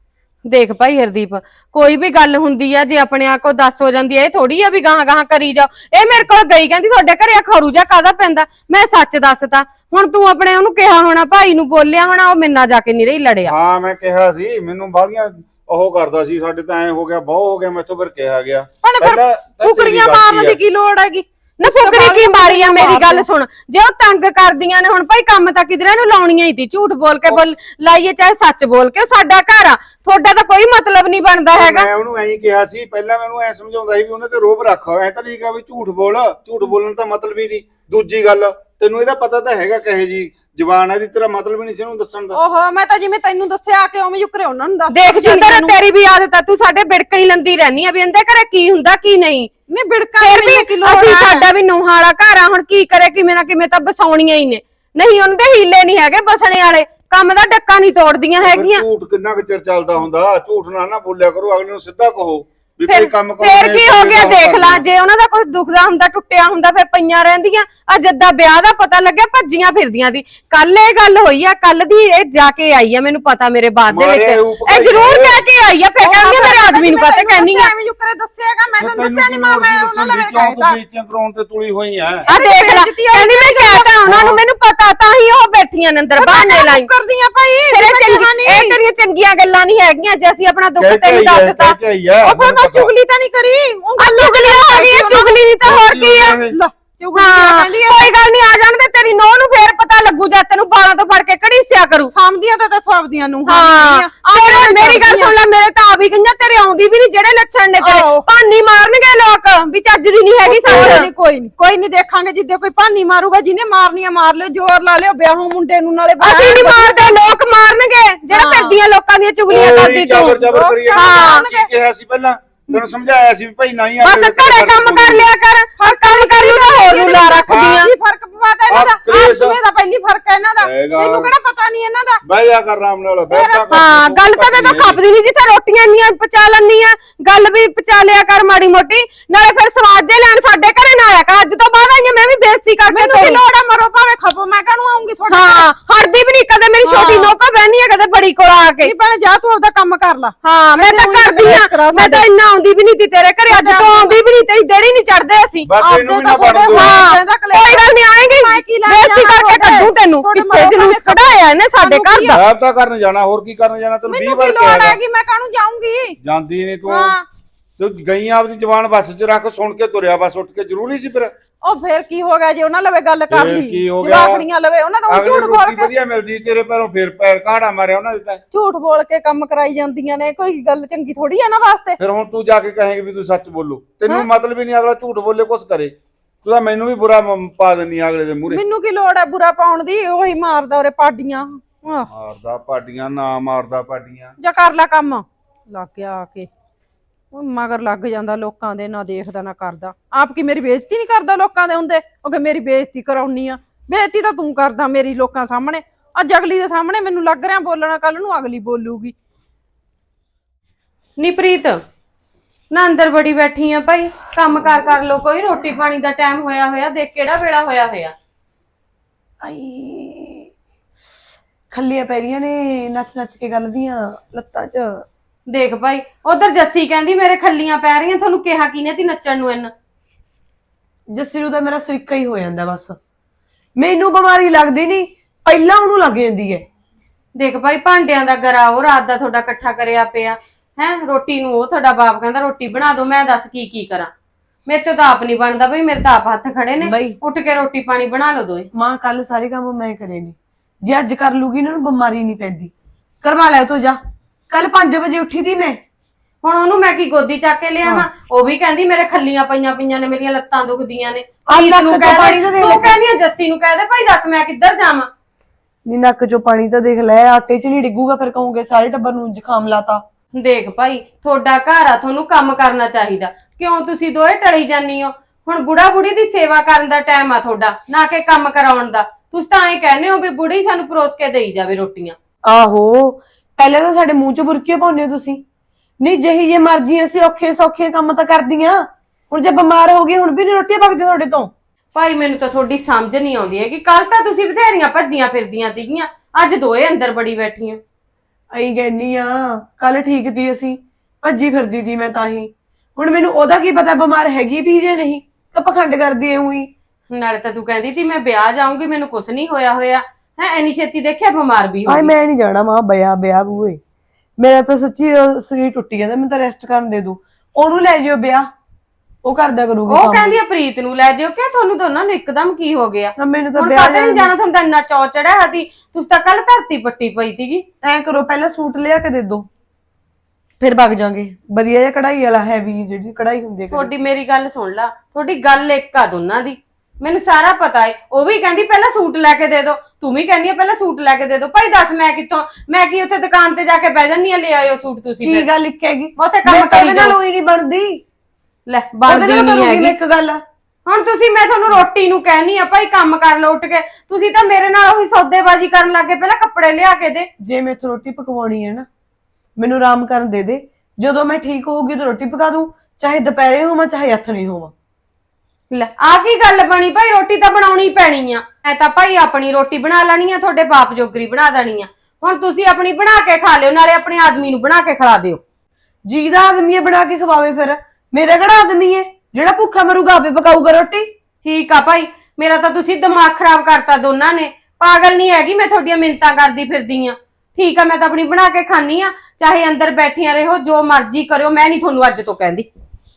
ਦੇਖ ਭਾਈ ਹਰਦੀਪ, ਕੋਈ ਵੀ ਗੱਲ ਹੁੰਦੀ ਆ ਜੇ ਆਪਣੇ ਆਪ ਕੋ ਦੱਸ ਹੋ ਜਾਂਦੀ ਆ, ਇਹ ਥੋੜੀ ਆ ਵੀ ਗਾਹਾਂ ਕਰੀ ਜਾਓ। ਇਹ ਮੇਰੇ ਕੋਲ ਗਈ ਕਹਿੰਦੀ ਤੁਹਾਡੇ ਘਰੇ ਖਰੂ ਜਾ ਕਾਹਦਾ ਪੈਂਦਾ, ਮੈਂ ਸੱਚ ਦੱਸਤਾ। ਹੁਣ ਤੂੰ ਆਪਣੇ ਉਹਨੂੰ ਕਿਹਾ ਹੋਣਾ, ਭਾਈ ਨੂੰ ਬੋਲਿਆ ਹੋਣਾ, ਉਹ ਮੇਰੇ ਨਾਲ ਜਾ ਕੇ ਨਹੀਂ ਰਹੀ ਲੜਿਆ। ਹਾਂ ਮੈਂ ਕਿਹਾ ਸੀ, ਮੈਨੂੰ ਬਾਹਲੀਆਂ ਉਹ ਕਰਦਾ ਸੀ, ਸਾਡੇ ਤਾਂ ਐ ਹੋ ਗਿਆ ਬਹੁ ਹੋ ਗਿਆ, ਮੈਥੋਂ ਫਿਰ ਕਿਹਾ ਗਿਆ। ਫਿਰ ਕੁਕਰੀਆਂ ਮਾਰਨ ਦੀ ਕੀ ਲੋੜ ਹੈਗੀ? ਨਾ ਫੁਕਰੀ ਕੀ ਮਾਰੀ ਆ, ਮੇਰੀ ਗੱਲ ਸੁਣ। ਜੇ ਉਹ ਤੰਗ ਕਰਦੀਆਂ ਨੇ ਹੁਣ ਭਾਈ ਕੰਮ ਤਾਂ ਕਿਧਰੇ ਨੂੰ ਲਾਉਣੀਆਂ ਹੀ ਤੀ, ਝੂਠ ਬੋਲ ਕੇ ਲਾਈਏ ਚਾਹੇ ਸੱਚ ਬੋਲ ਕੇ, ਸਾਡਾ ਘਰ ਆ, ਤੁਹਾਡਾ ਤਾਂ ਕੋਈ ਮਤਲਬ ਨਹੀਂ ਬਣਦਾ ਹੈਗਾ। ਮੈਂ ਉਹਨੂੰ ਐਂ ਕਿਹਾ ਸੀ, ਪਹਿਲਾਂ ਮੈਨੂੰ ਐ ਸਮਝਾਉਂਦਾ ਸੀ ਵੀ ਉਹਨੇ ਤੇ ਰੋਬ ਰੱਖ, ਐ ਤਾਂ ਨਹੀਂ ਕਿਹਾ ਵੀ ਝੂਠ ਬੋਲ, ਝੂਠ ਬੋਲਣ ਦਾ ਮਤਲਬ ਹੀ ਨਹੀਂ। ਦੂਜੀ ਗੱਲ, ਤੈਨੂੰ ਇਹਦਾ ਪਤਾ ਤਾਂ ਹੈਗਾ ਕਹੇ ਜੀ ਜ਼ਬਾਨ ਹੈ ਦੀ, ਤੇਰਾ ਮਤਲਬ ਹੀ ਨਹੀਂ ਸੀ ਉਹਨੂੰ ਦੱਸਣ ਦਾ। ਓਹੋ, ਮੈਂ ਤਾਂ ਜਿਵੇਂ ਤੈਨੂੰ ਦੱਸਿਆ ਕਿ ਉਵੇਂ ਯੁਕਰੇ ਉਹਨਾਂ ਨੂੰ ਦੱਸ। ਦੇਖ ਜਿੰਦਰ, ਤੇਰੀ ਵੀ ਆਦਤ ਆ, ਤੂੰ ਸਾਡੇ ਬਿੜਕਾਂ ਹੀ ਲੰਦੀ ਰਹਿਨੀ ਆ ਵੀ ਇਹਦੇ ਘਰੇ ਕੀ ਹੁੰਦਾ ਕੀ ਨਹੀਂ। ਨਹੀਂ ਬਿੜਕਾਂ ਫਿਰ ਵੀ ਅਸੀਂ, ਸਾਡਾ ਵੀ ਨੂੰਹਾਂ ਵਾਲਾ ਘਰ ਆ, ਹੁਣ ਕੀ ਕਰੇ, ਕਿਵੇਂ ਨਾ ਕਿਵੇਂ ਤਾਂ ਬਸਾਉਣੀਆਂ ਹੀ ਨੇ। ਨਹੀਂ ਉਹਨਾਂ ਦੇ ਹੀਲੇ ਨਹੀਂ ਹੈਗੇ ਬਸਣੇ ਵਾਲੇ, ਕੰਮ ਦਾ ਡੱਕਾ ਨਹੀਂ ਤੋੜਦੀਆਂ ਹੈਗੀਆਂ। ਝੂਠ ਕਿੰਨਾ ਕੁ ਚਿਰ ਚੱਲਦਾ ਹੁੰਦਾ, ਝੂਠ ਨਾ ਬੋਲਿਆ ਕਰੋ, ਅਗਲੇ ਨੂੰ ਸਿੱਧਾ ਕਹੋ ਵੀ ਫਿਰ ਕੋਈ ਕੰਮ ਕਰੋ। ਫੇਰ ਕੀ ਹੋ ਗਿਆ, ਦੇਖ ਲਾ, ਜੇ ਉਹਨਾਂ ਦਾ ਕੁਝ ਦੁਖਦਾ ਹੁੰਦਾ, ਟੁੱਟਿਆ ਹੁੰਦਾ, ਫਿਰ ਪਈਆਂ ਰਹਿੰਦੀਆਂ। ਆ ਜੱਦਾ ਵਿਆਹ ਦਾ ਪਤਾ ਲੱਗਿਆ ਭੱਜੀਆਂ ਫਿਰਦੀਆਂ ਦੀ। ਕੱਲ ਇਹ ਗੱਲ ਹੋਈ ਆ, ਕੱਲ ਦੀ ਇਹ ਜਾ ਕੇ ਆਈ ਆ, ਮੈਨੂੰ ਪਤਾ ਮੇਰੇ ਬਾਅਦ ਦੇ ਵਿੱਚ ਇਹ ਜ਼ਰੂਰ ਕਹਿ ਕੇ ਆਈ ਆ। ਫਿਰ ਕਹਿੰਦੀ ਮੇਰੇ ਆਦਮੀ ਨੂੰ ਪਤਾ ਕਹਿੰਦੀ ਆ ਐਵੇਂ ਯੁਕਰੇ ਦੱਸਿਆਗਾ, ਮੈਂ ਤਾਂ ਦੱਸਿਆ ਨਹੀਂ, ਮੈਂ ਉਹਨਾਂ ਲਵੇ ਕਹਿਤਾ। ਬੇਇੱਜ਼ਤੀਆਂ ਕਰਾਉਣ ਤੇ ਤੁਲੀ ਹੋਈ ਆ। ਆ ਦੇਖ ਲੈ, ਕਹਿੰਦੀ ਮੈਂ ਕਹਿਤਾ ਉਹਨਾਂ ਨੂੰ, ਮੈਨੂੰ ਪਤਾ, ਤਾਂ ਹੀ ਉਹ ਬੈਠੀਆਂ ਨੇ ਅੰਦਰ ਬਹਾਨੇ ਲਾਈ ਕਰਦੀਆਂ ਭਾਈ। ਫਿਰ ਇਹ ਤੇਰੀਆਂ ਚੰਗੀਆਂ ਗੱਲਾਂ ਨਹੀਂ ਹੈਗੀਆਂ, ਜੇ ਅਸੀਂ ਆਪਣਾ ਦੁੱਖ ਤੈਨੂੰ ਦੱਸਤਾ। ਉਹ ਫਿਰ ਮੈਂ ਚੁਗਲੀ ਤਾਂ ਨਹੀਂ ਕਰੀ। ਚੁਗਲੀ ਹੋ ਗਈ, ਚੁਗਲੀ ਨਹੀਂ ਤਾਂ ਹੋਰ ਕੀ ਆ। ਹਾਂ, ਕੋਈ ਗੱਲ ਨਹੀਂ, ਆ ਜਾਣ ਦੇ, ਤੇਰੀ ਨੋਹ ਨੂੰ ਫੇਰ ਪਤਾ ਲੱਗੂ ਜਦ ਤੈਨੂੰ ਬਾਲਾਂ ਤੋਂ ਫੜ ਕੇ ਘੜੀਸਿਆ ਕਰੂ। ਸਾਂਭਦੀਆਂ ਤਾਂ ਸਵਾਬਦੀਆਂ ਨੂੰ। ਹਾਂ, ਮੇਰੀ ਗੱਲ ਸੁਣ ਲੈ, ਮੇਰੇ ਤਾਂ ਆ ਵੀ ਗਈਆਂ, ਤੇਰੇ ਆਉਂਦੀ ਵੀ ਨਹੀਂ ਜਿਹੜੇ ਲੱਛਣ ਨੇ ਤੇਰੇ। ਭਾਨੀ ਮਾਰਨਗੇ ਲੋਕ ਵੀ ਚੱਜ ਦੀ ਨਹੀਂ ਹੈਗੀ ਸਮਝ। ਕੋਈ ਨਹੀਂ ਦੇਖਾਂਗੇ, ਜਿੱਦੇ ਕੋਈ ਭਾਨੀ ਮਾਰੂਗਾ, ਜਿਹਨੇ ਮਾਰਨੀ ਆ ਮਾਰ ਲਿਓ, ਜ਼ੋਰ ਲਾ ਲਿਓ, ਵਿਆਹੂ ਮੁੰਡੇ ਨੂੰ ਨਾਲੇ। ਅਸੀਂ ਨਹੀਂ ਮਾਰਦੇ, ਲੋਕ ਮਾਰਨਗੇ ਜਿਹੜਾ ਫਿਰਦੀਆਂ ਲੋਕਾਂ ਦੀਆਂ ਚੁਗਲੀਆਂ ਕਰਦੀ ਤੂੰ। ਹਾਂ, ਕੀ ਕਿਹਾ ਸੀ ਪਹਿਲਾਂ, ਤੈਨੂੰ ਸਮਝਾਇਆ ਸੀ ਵੀ ਭਾਈ ਨਹੀਂ ਆ। ਬਸ ਘਰੇ ਕੰਮ ਕਰ ਲਿਆ ਕਰ, ਹਰ ਕੰਮ ਕਰ ਲੂ ਤਾਂ ਹੋਰ ਨੂੰ ਲਾ ਰੱਖਦੀਆਂ। ਕੀ ਫਰਕ ਪਵਾਤਾ ਇਹਨਾਂ ਦਾ? ਆਸੂਏ ਦਾ ਪਹਿਲੀ ਫਰਕ ਹੈ ਇਹਨਾਂ ਦਾ, ਤੈਨੂੰ ਕਿਹੜਾ ਪਤਾ ਨਹੀਂ ਇਹਨਾਂ ਦਾ? ਬਹਿ ਜਾ ਕਰ ਆਰਾਮ ਨਾਲ, ਹਾਂ, ਗੱਲ ਤਾਂ ਤੇ ਖਪਦੀ ਨਹੀਂ, ਜਿੱਥੇ ਰੋਟੀਆਂ ਇੰਨੀਆਂ ਪਚਾ ਲੈਣੀ ਆ, ਗੱਲ ਵੀ ਪਚਾ ਲਿਆ ਕਰ ਮਾੜੀ ਮੋਟੀ। ਨਾਲੇ ਫਿਰ ਸਵਾਦ ਜੇ ਲੈਣ ਸਾਡੇ ਘਰੇ ਨਾ ਆਇਆ ਕਰ, ਅੱਜ ਤੋਂ ਬਾਅਦ ਆਈਆਂ ਮੈਂ ਵੀ ਬੇਇੱਜ਼ਤੀ ਕਰਕੇ। ਮੈਨੂੰ ਕੀ ਲੋੜ ਆ, ਮਰੋ ਭਾਵੇਂ ਖਪੋ, ਮੈਂ ਕਾਹਨੂੰ ਆਉਂਗੀ ਤੁਹਾਡੇ? ਹਾਂ, ਹਰਦੀ ਵੀ ਨਹੀਂ ਕਦੇ, ਮੇਰੀ ਛੋਟੀ ਨੋਕਾ ਬਹਿਨੀ ਆ ਕਦੇ ਬੜੀ ਕੋਲ ਆ ਕੇ। ਨਹੀਂ ਭੈਣੇ, ਜਾ ਤੂੰ ਆਪਦਾ ਕੰਮ ਕਰ ਲੈ। ਹਾਂ, ਮੈਂ ਤਾਂ ਕਰਦੀ ਆ, ਮੈਂ ਤਾਂ ਇੰਨਾ ਆਉਂਦੀ ਵੀ ਨਹੀਂ ਤੀ ਤੇਰੇ ਘਰੇ, ਅੱਜ ਤੋਂ ਆਉਂਦੀ ਵੀ ਨਹੀਂ, ਤੇਰੀ ਦੇੜੀ ਨਹੀਂ ਚੜਦੇ ਅਸੀਂ। ਬਸ ਇਹਨੂੰ ਵੀ ਨਾ ਬਣ ਦੋ। ਕੋਈ ਗੱਲ ਨਹੀਂ, ਆਏਗੀ ਬੇਇੱਜ਼ਤੀ ਕਰਕੇ ਕੱਢੂ ਤੈਨੂੰ। ਕਿੱਥੇ ਜਲੂਸ ਕਢਾਇਆ ਇਹਨੇ ਸਾਡੇ ਘਰ ਦਾ। ਆਪ ਤਾਂ ਕਰਨ ਜਾਣਾ, ਹੋਰ ਕੀ ਕਰਨ ਜਾਣਾ, ਤੈਨੂੰ 20 ਮੈਨੂੰ ਵਾਰ ਕੀ ਕਿਹਾ ਲੋੜ ਹੈਗੀ, ਮੈਂ ਕਾਹਨੂੰ ਜਾਊਂਗੀ? ਜਾਂਦੀ ਨਹੀਂ ਤੂੰ ਗਈ ਆਪਦੀ ਜ਼ਬਾਨ ਬੱਸ 'ਚ ਰੱਖ, ਸੁਣ ਕੇ ਤੁਰਿਆ ਬਸ ਉੱਠ ਕੇ, ਜ਼ਰੂਰੀ ਸੀ ਫਿਰ। ਉਹ ਫੇਰ ਕੀ ਹੋ ਗਿਆ ਜੇ ਉਹਨਾਂ ਲਵੇ ਗੱਲ ਕਰ ਲਈ? ਕੀ ਹੋ ਗਿਆ? ਜਵਾਕੜੀਆਂ ਲਵੇ ਉਹਨਾਂ ਦਾ ਝੂਠ ਬੋਲ ਕੇ ਵਧੀਆ ਮਿਲਦੀ ਤੇਰੇ ਪੈਰੋਂ, ਫੇਰ ਪੈਰ ਕਾੜਾ ਮਾਰਿਆ ਉਹਨਾਂ ਦੇ ਤਾਂ। ਝੂਠ ਬੋਲ ਕੇ ਕੰਮ ਕਰਾਈ ਜਾਂਦੀਆਂ ਨੇ, ਕੋਈ ਗੱਲ ਚੰਗੀ ਥੋੜੀ ਆ ਨਾ ਵਾਸਤੇ। ਫਿਰ ਹੁਣ ਤੂੰ ਜਾ ਕੇ ਕਹੇਂਗੀ ਵੀ ਤੂੰ ਸੱਚ ਬੋਲੋ, ਤੈਨੂੰ ਮਤਲਬ ਹੀ ਨਹੀਂ ਅਗਲਾ ਝੂਠ ਬੋਲੇ ਕੁਛ ਕਰੇ। ਤੂੰ ਤਾਂ ਮੈਨੂੰ ਵੀ ਬੁਰਾ ਪਾ ਦਿੰਨੀ ਅਗਲੇ ਦੇ ਮੂਹਰੇ। ਮੈਨੂੰ ਕੀ ਲੋੜ ਹੈ ਬੁਰਾ ਪਾਉਣ ਦੀ? ਉਹੀ ਮਾਰਦਾ ਉਰੇ ਪਾਡੀਆਂ। ਮਾਰਦਾ ਪਾਡੀਆਂ ਨਾ ਮਾਰਦਾ ਪਾਡੀਆਂ। ਜਾ ਕਰ ਲੈ ਕੰਮ, ਲੱਗ ਗਿਆ ਆ ਕੇ ਉਹ ਮਗਰ ਲੱਗ ਜਾਂਦਾ ਲੋਕਾਂ ਦੇ, ਨਾ ਦੇਖਦਾ ਨਾ ਕਰਦਾ। ਆਪ ਕੀ ਮੇਰੀ ਬੇਇੱਜ਼ਤੀ ਨਹੀਂ ਕਰਦਾ ਲੋਕਾਂ ਦੇ ਹੁੰਦੇ? ਉਹ ਕਿ ਮੇਰੀ ਬੇਇੱਜ਼ਤੀ ਕਰਾਉਣੀ ਆ? ਬੇਇੱਜ਼ਤੀ ਤਾਂ ਤੂੰ ਕਰਦਾ ਮੇਰੀ ਲੋਕਾਂ ਸਾਹਮਣੇ। ਅੱਜ ਅਗਲੀ ਦੇ ਸਾਹਮਣੇ ਮੈਨੂੰ ਲੱਗ ਰਿਹਾ ਬੋਲਣਾ, ਕੱਲ ਨੂੰ ਅਗਲੀ ਬੋਲੂਗੀ। ਨੀ ਪ੍ਰੀਤ, ਨਾ ਅੰਦਰ ਬੜੀ ਬੈਠੀ ਆ ਭਾਈ, ਕੰਮ ਕਰ ਲੋ ਕੋਈ, ਰੋਟੀ ਪਾਣੀ ਦਾ ਟਾਈਮ ਹੋਇਆ ਹੋਇਆ, ਦੇਖ ਕਿਹੜਾ ਵੇਲਾ ਹੋਇਆ ਹੋਇਆ। ਆਈ ਖੱਲੀਆਂ ਪੈ ਰਹੀਆਂ ਨੇ, ਨੱਚ ਨੱਚ ਕੇ ਗੱਲ ਦੀਆਂ ਲੱਤਾਂ 'ਚ। ਦੇਖ ਭਾਈ, ਉਧਰ ਜੱਸੀ ਕਹਿੰਦੀ ਮੇਰੇ ਖੱਲੀਆਂ ਪੈ ਰਹੀਆਂ, ਤੁਹਾਨੂੰ ਕਿਹਾ ਕਿਨੇ ਤੀ ਨੱਚਣ ਨੂੰ? ਇਹਨਾਂ ਜੱਸੀ ਨੂੰ ਤਾਂ ਮੇਰਾ ਸਰੀਕਾ ਹੀ ਹੋ ਜਾਂਦਾ ਬਸ। ਮੈਨੂੰ ਬਿਮਾਰੀ ਲੱਗਦੀ ਨਹੀਂ, ਪਹਿਲਾਂ ਉਹਨੂੰ ਲੱਗ ਜਾਂਦੀ ਹੈ। ਦੇਖ ਭਾਈ, ਭਾਂਡਿਆਂ ਦਾ ਗਰਾ ਉਹ ਰਾਤ ਦਾ ਤੁਹਾਡਾ ਇਕੱਠਾ ਕਰਿਆ ਪਿਆ ਹੈ, ਰੋਟੀ ਨੂੰ ਉਹ ਤੁਹਾਡਾ ਬਾਪ ਕਹਿੰਦਾ ਰੋਟੀ ਬਣਾ ਦੋ, ਮੈਂ ਦੱਸ ਕੀ ਕਰਾਂ? ਮੇਰੇ ਤੋਂ ਤਾਂ ਆਪ ਨਹੀਂ ਬਣਦਾ ਬਈ, ਮੇਰੇ ਤਾਂ ਆਪ ਹੱਥ ਖੜੇ ਨੇ, ਉੱਠ ਕੇ ਰੋਟੀ ਪਾਣੀ ਬਣਾ ਲਓ ਦੋਏ। ਮਾਂ ਕੱਲ ਸਾਰੇ ਕੰਮ ਮੈਂ ਕਰੇ ਨੇ, ਜੇ ਅੱਜ ਕਰ ਲੂਗੀ ਇਹਨਾਂ ਨੂੰ ਬਿਮਾਰੀ ਨਹੀਂ ਪੈਂਦੀ। ਕਰਵਾ ਲੈ ਤੂੰ, ਜਾ। ਕੱਲ 5 ਵਜੇ ਉੱਠੀ ਦੀ ਮੈਂ, ਹੁਣ ਉਹਨੂੰ ਮੈਂ ਕੀ ਗੋਦੀ ਚੱਕ ਕੇ ਲਿਆਵਾਂ? ਉਹ ਵੀ ਕਹਿੰਦੀ ਮੇਰੇ ਖੱਲੀਆਂ ਪਈਆਂ ਨੇ, ਮੇਰੀਆਂ ਲੱਤਾਂ ਦੁਖਦੀਆਂ ਨੇ। ਤੂੰ ਕਹਿੰਦੀ ਆ ਜੱਸੀ ਨੂੰ ਕਹਿ ਦੇ ਭਾਈ, ਦੱਸ ਮੈਂ ਕਿੱਧਰ ਜਾਵਾਂ? ਨੀ ਨੱਕ ਚੋਂ ਪਾਣੀ ਤਾਂ ਦੇਖ ਲੈ, ਆਟੇ 'ਚ ਨਹੀਂ ਡਿੱਗੂਗਾ, ਫਿਰ ਕਹੋਗੇ ਸਾਰੇ ਟੱਬਰ ਨੂੰ ਜ਼ੁਕਾਮ ਲਾਤਾ। ਦੇਖ ਭਾਈ, ਤੁਹਾਡਾ ਘਰ ਆ, ਤੁਹਾਨੂੰ ਕੰਮ ਕਰਨਾ ਚਾਹੀਦਾ, ਕਿਉਂ ਤੁਸੀਂ ਦੋਏ ਟਲੀ ਜਾਨੀ ਹੋ? ਹੁਣ ਬੁੜਾ ਬੁੜੀ ਦੀ ਸੇਵਾ ਕਰਨ ਦਾ ਟਾਈਮ ਆ ਤੁਹਾਡਾ, ਨਾ ਕਿ ਕੰਮ ਕਰਾਉਣ ਦਾ। ਤੁਸੀਂ ਤਾਂ ਐਂ ਕਹਿੰਦੇ ਹੋ ਵੀ ਬੁੜੀ ਸਾਨੂੰ ਪਰੋਸ ਕੇ ਦੇਈ ਜਾਵੇ ਰੋਟੀਆਂ। ਆਹੋ, ਪਹਿਲੇ ਤਾਂ ਸਾਡੇ ਮੂੰਹ 'ਚ ਬੁਰਕੀਆਂ ਪਾਉਂਦੇ ਹੋ ਤੁਸੀਂ। ਨਹੀਂ ਜਿਹੀ ਜੇ ਮਰਜ਼ੀ ਅਸੀਂ ਔਖੇ ਸੌਖੇ ਕੰਮ ਤਾਂ ਕਰਦੀਆਂ, ਹੁਣ ਜੇ ਬਿਮਾਰ ਹੋ ਗਏ ਹੁਣ ਵੀ ਨਹੀਂ ਰੋਟੀਆਂ ਪੱਕਦੀਆਂ ਤੁਹਾਡੇ ਤੋਂ। ਭਾਈ ਮੈਨੂੰ ਤਾਂ ਤੁਹਾਡੀ ਸਮਝ ਨਹੀਂ ਆਉਂਦੀ ਹੈ ਕਿ ਕੱਲ ਤਾਂ ਤੁਸੀਂ ਬਥੇਰੀਆਂ ਭੱਜੀਆਂ ਫਿਰਦੀਆਂ ਸੀਗੀਆਂ, ਅੱਜ ਦੋਏ ਅੰਦਰ ਬੜੀ ਬੈਠੀਆਂ। ਆਈ ਗੈਨੀ ਆ ਕੱਲ ਠੀਕ ਤੀ ਅਸੀਂ, ਭੱਜੀ ਫਿਰਦੀ ਤੀ ਮੈਂ ਤਾਂ ਹੀ। ਹੁਣ ਮੈਨੂੰ ਉਹਦਾ ਕੀ ਪਤਾ ਬਿਮਾਰ ਹੈਗੀ ਵੀ ਜੇ ਨਹੀਂ, ਕਿ ਪਖੰਡ ਕਰਦੀ ਐ ਉਹੀ। ਨਾਲੇ ਤਾਂ ਤੂੰ ਕਹਿੰਦੀ ਤੀ ਮੈਂ ਵਿਆਹ ਜਾਊਂਗੀ, ਮੈਨੂੰ ਕੁਛ ਨਹੀਂ ਹੋਇਆ ਹੈ, ਐਨੀ ਛੇਤੀ ਦੇਖਿਆ ਬਿਮਾਰ ਵੀ ਹੋ ਆਏ ਗਈ। ਮੈਂ ਨਹੀਂ ਜਾਣਾ ਮਾਂ ਵਿਆਹ ਬੂਏ। ਮੇਰਾ ਤਾਂ ਸੱਚੀ ਸਰੀਰ ਟੁੱਟੀ ਜਾਂਦਾ, ਮੈਨੂੰ ਤਾਂ ਰੈਸਟ ਕਰਨ ਦੇ ਦੂ। ਉਹਨੂੰ ਲੈ ਜਿਓ ਵਿਆਹ, ਉਹ ਕਰਦਾ ਕਰੂਗੀ ਉਹ ਕੰਮ। ਕਹਿੰਦੀ ਆ ਪ੍ਰੀਤ ਨੂੰ ਲੈ ਜਾਓ। ਕਿ ਤੁਹਾਨੂੰ ਦੋਨਾਂ ਨੂੰ ਇੱਕਦਮ ਕੀ ਹੋ ਗਿਆ? ਤਾਂ ਮੈਨੂੰ ਤਾਂ ਹੁਣ ਵਿਆਹ ਕਦੇ ਨਹੀਂ ਜਾਣਾ, ਤੁਹਾਨੂੰ ਤਾਂ ਇੰਨਾ ਚੌ ਚੜਿਆ ਹਤੀ। ਤੁਸੀਂ ਤਾਂ ਕੱਲ ਧਰਤੀ ਪੱਟੀ ਪਈ ਸੀਗੀ। ਐ ਕਰੋ ਪਹਿਲਾਂ ਸੂਟ ਲਿਆ ਕੇ ਦੇ ਦੋ, ਫਿਰ ਵਗ ਜਾਾਂਗੇ। ਵਧੀਆ ਜਿਹਾ ਕਢਾਈ ਵਾਲਾ ਹੈਵੀ ਜਿਹੜੀ ਕਢਾਈ ਹੁੰਦੀ ਹੈ। ਤੁਹਾਡੀ ਮੇਰੀ ਗੱਲ ਸੁਣ ਲਾ, ਤੁਹਾਡੀ ਗੱਲ ਇੱਕ ਆ ਦੋਨਾਂ ਦੀ, ਮੈਨੂੰ ਸਾਰਾ ਪਤਾ ਏ। ਉਹ ਵੀ ਕਹਿੰਦੀ ਪਹਿਲਾਂ ਸੂਟ ਲੈ ਕੇ ਦੇ ਦੋ, ਤੂੰ ਵੀ ਕਹਿੰਦੀ ਆ ਪਹਿਲਾਂ ਸੂਟ ਲੈ ਕੇ ਦੇ ਦੋ। ਭਾਈ ਦੱਸ ਮੈਂ ਕਿੱਥੋਂ, ਮੈਂ ਕੀ ਉੱਥੇ ਦੁਕਾਨ ਤੇ ਜਾ ਕੇ ਬਹਿ ਜਾਂਦੀ ਆ, ਲੈ ਆਇਓ ਸੂਟ ਤੁਸੀਂ। ਕੀ ਗੱਲ ਲਿਖੇਗੀ? ਮੈਂ ਉੱਥੇ ਕੰਮ ਮੇਰੇ ਤਾਂ ਕਰੀ ਉਹਦੇ ਨਾਲ ਜਾਓ। ਉਹੀ ਨਹੀਂ ਬਣਦੀ। ਲੈ ਉਹਦੇ ਬਣਦੀ ਨਾਲ ਨਹੀਂ ਕਰੂੰਗੀ ਹੈਗੀ। ਮੈਂ ਇੱਕ ਗੱਲ। ਹੁਣ ਤੁਸੀਂ, ਮੈਂ ਤੁਹਾਨੂੰ ਰੋਟੀ ਨੂੰ ਕਹਿਨੀ ਆ ਭਾਈ ਕੰਮ ਕਰ ਲਓ ਉੱਠ ਕੇ, ਤੁਸੀਂ ਤਾਂ ਮੇਰੇ ਨਾਲ ਉਹੀ ਸੌਦੇਬਾਜ਼ੀ ਕਰਨ ਲੱਗੇ, ਪਹਿਲਾਂ ਕੱਪੜੇ ਲਿਆ ਕੇ ਦੇ। ਜੇ ਮੈਥੋਂ ਰੋਟੀ ਪਕਵਾਉਣੀ ਹੈ ਨਾ, ਮੈਨੂੰ ਆਰਾਮ ਕਰਨ ਦੇ ਦੇ। ਜਦੋਂ ਮੈਂ ਠੀਕ ਹੋਊਗੀ ਤਾਂ ਰੋਟੀ ਪਕਾ ਦੂੰ, ਚਾਹੇ ਦੁਪਹਿਰੇ ਹੋਵਾਂ ਚਾਹੇ ਹੱਥ ਹੋਵਾਂ। ਲੈ ਆ ਕੀ ਗੱਲ ਬਣੀ ਭਾਈ? ਰੋਟੀ ਤਾਂ ਬਣਾਉਣੀ ਪੈਣੀ ਆ। ਐ ਤਾਂ ਭਾਈ ਆਪਣੀ ਰੋਟੀ ਬਣਾ ਲੈਣੀ ਆ, ਤੁਹਾਡੇ ਬਾਪ ਜੋਗਰੀ ਬਣਾ ਦੇਣੀ ਆ। ਹੁਣ ਤੁਸੀਂ ਆਪਣੀ ਬਣਾ ਕੇ ਖਾ ਲਿਓ, ਨਾਲੇ ਆਪਣੇ ਆਦਮੀ ਨੂੰ ਬਣਾ ਕੇ ਖਿਲਾ ਦਿਓ। ਜੀ ਦਾ ਆਦਮੀ ਹੈ ਬਣਾ ਕੇ ਖਵਾਵੇ, ਫਿਰ ਮੇਰਾ ਕਿਹੜਾ ਆਦਮੀ ਹੈ ਜਿਹੜਾ ਭੁੱਖਾ ਮਰੂਗਾ ਆਪੇ ਪਕਾਊਗਾ ਰੋਟੀ? ਠੀਕ ਆ ਭਾਈ, ਮੇਰਾ ਤਾਂ ਤੁਸੀਂ ਦਿਮਾਗ ਖਰਾਬ ਕਰਤਾ ਦੋਨਾਂ ਨੇ। ਪਾਗਲ ਨਹੀਂ ਹੈਗੀ ਮੈਂ, ਤੁਹਾਡੀਆਂ ਮਿੰਨਤਾਂ ਕਰਦੀ ਫਿਰਦੀ ਆ। ਠੀਕ ਆ, ਮੈਂ ਤਾਂ ਆਪਣੀ ਬਣਾ ਕੇ ਖਾਣੀ ਆ, ਚਾਹੇ ਅੰਦਰ ਬੈਠੀਆਂ ਰਹੋ, ਜੋ ਮਰਜ਼ੀ ਕਰਿਓ, ਮੈਂ ਨਹੀਂ ਤੁਹਾਨੂੰ ਅੱਜ ਤੋਂ ਕਹਿੰਦੀ।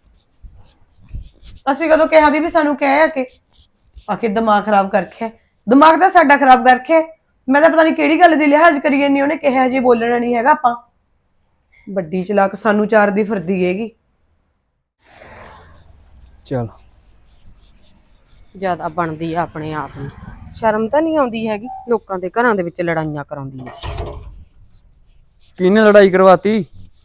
ਅਸੀਂ ਕਦੋਂ ਕਿਹਾ ਦੀ ਵੀ ਸਾਨੂੰ ਕਹਿ ਆ ਕੇ ਦਿਮਾਗ ਖਰਾਬ ਕਰ ਰੱਖਿਆ? ਦਿਮਾਗ ਤਾਂ ਸਾਡਾ ਖਰਾਬ ਕਰ ਰੱਖਿਆ। ਮੈਂ ਤਾਂ ਪਤਾ ਨਹੀਂ ਕਿਹੜੀ ਗੱਲ ਦੀ ਲਿਹਾਜ਼ ਕਰੀ ਜਾਂਦੀ, ਉਹਨੇ ਕਿਹਾ ਜੇ ਬੋਲਣਾ ਨਹੀਂ ਹੈਗਾ। ਆਪਾਂ ਵੱਡੀ ਚਲਾਕ ਸਾਨੂੰ ਚਾਰ ਦੀ ਫਿਰਦੀ ਹੈਗੀ। ਚਲ ਜ਼ਿਆਦਾ ਬਣਦੀ ਆ ਆਪਣੇ ਆਪ ਨੂੰ, ਸ਼ਰਮ ਤਾਂ ਨਹੀਂ ਆਉਂਦੀ ਹੈਗੀ, ਲੋਕਾਂ ਦੇ ਘਰਾਂ ਦੇ ਵਿੱਚ ਲੜਾਈਆਂ ਕਰਾਉਂਦੀ ਆ। ਕਿਹਨੇ ਲੜਾਈ ਕਰਵਾਤੀ?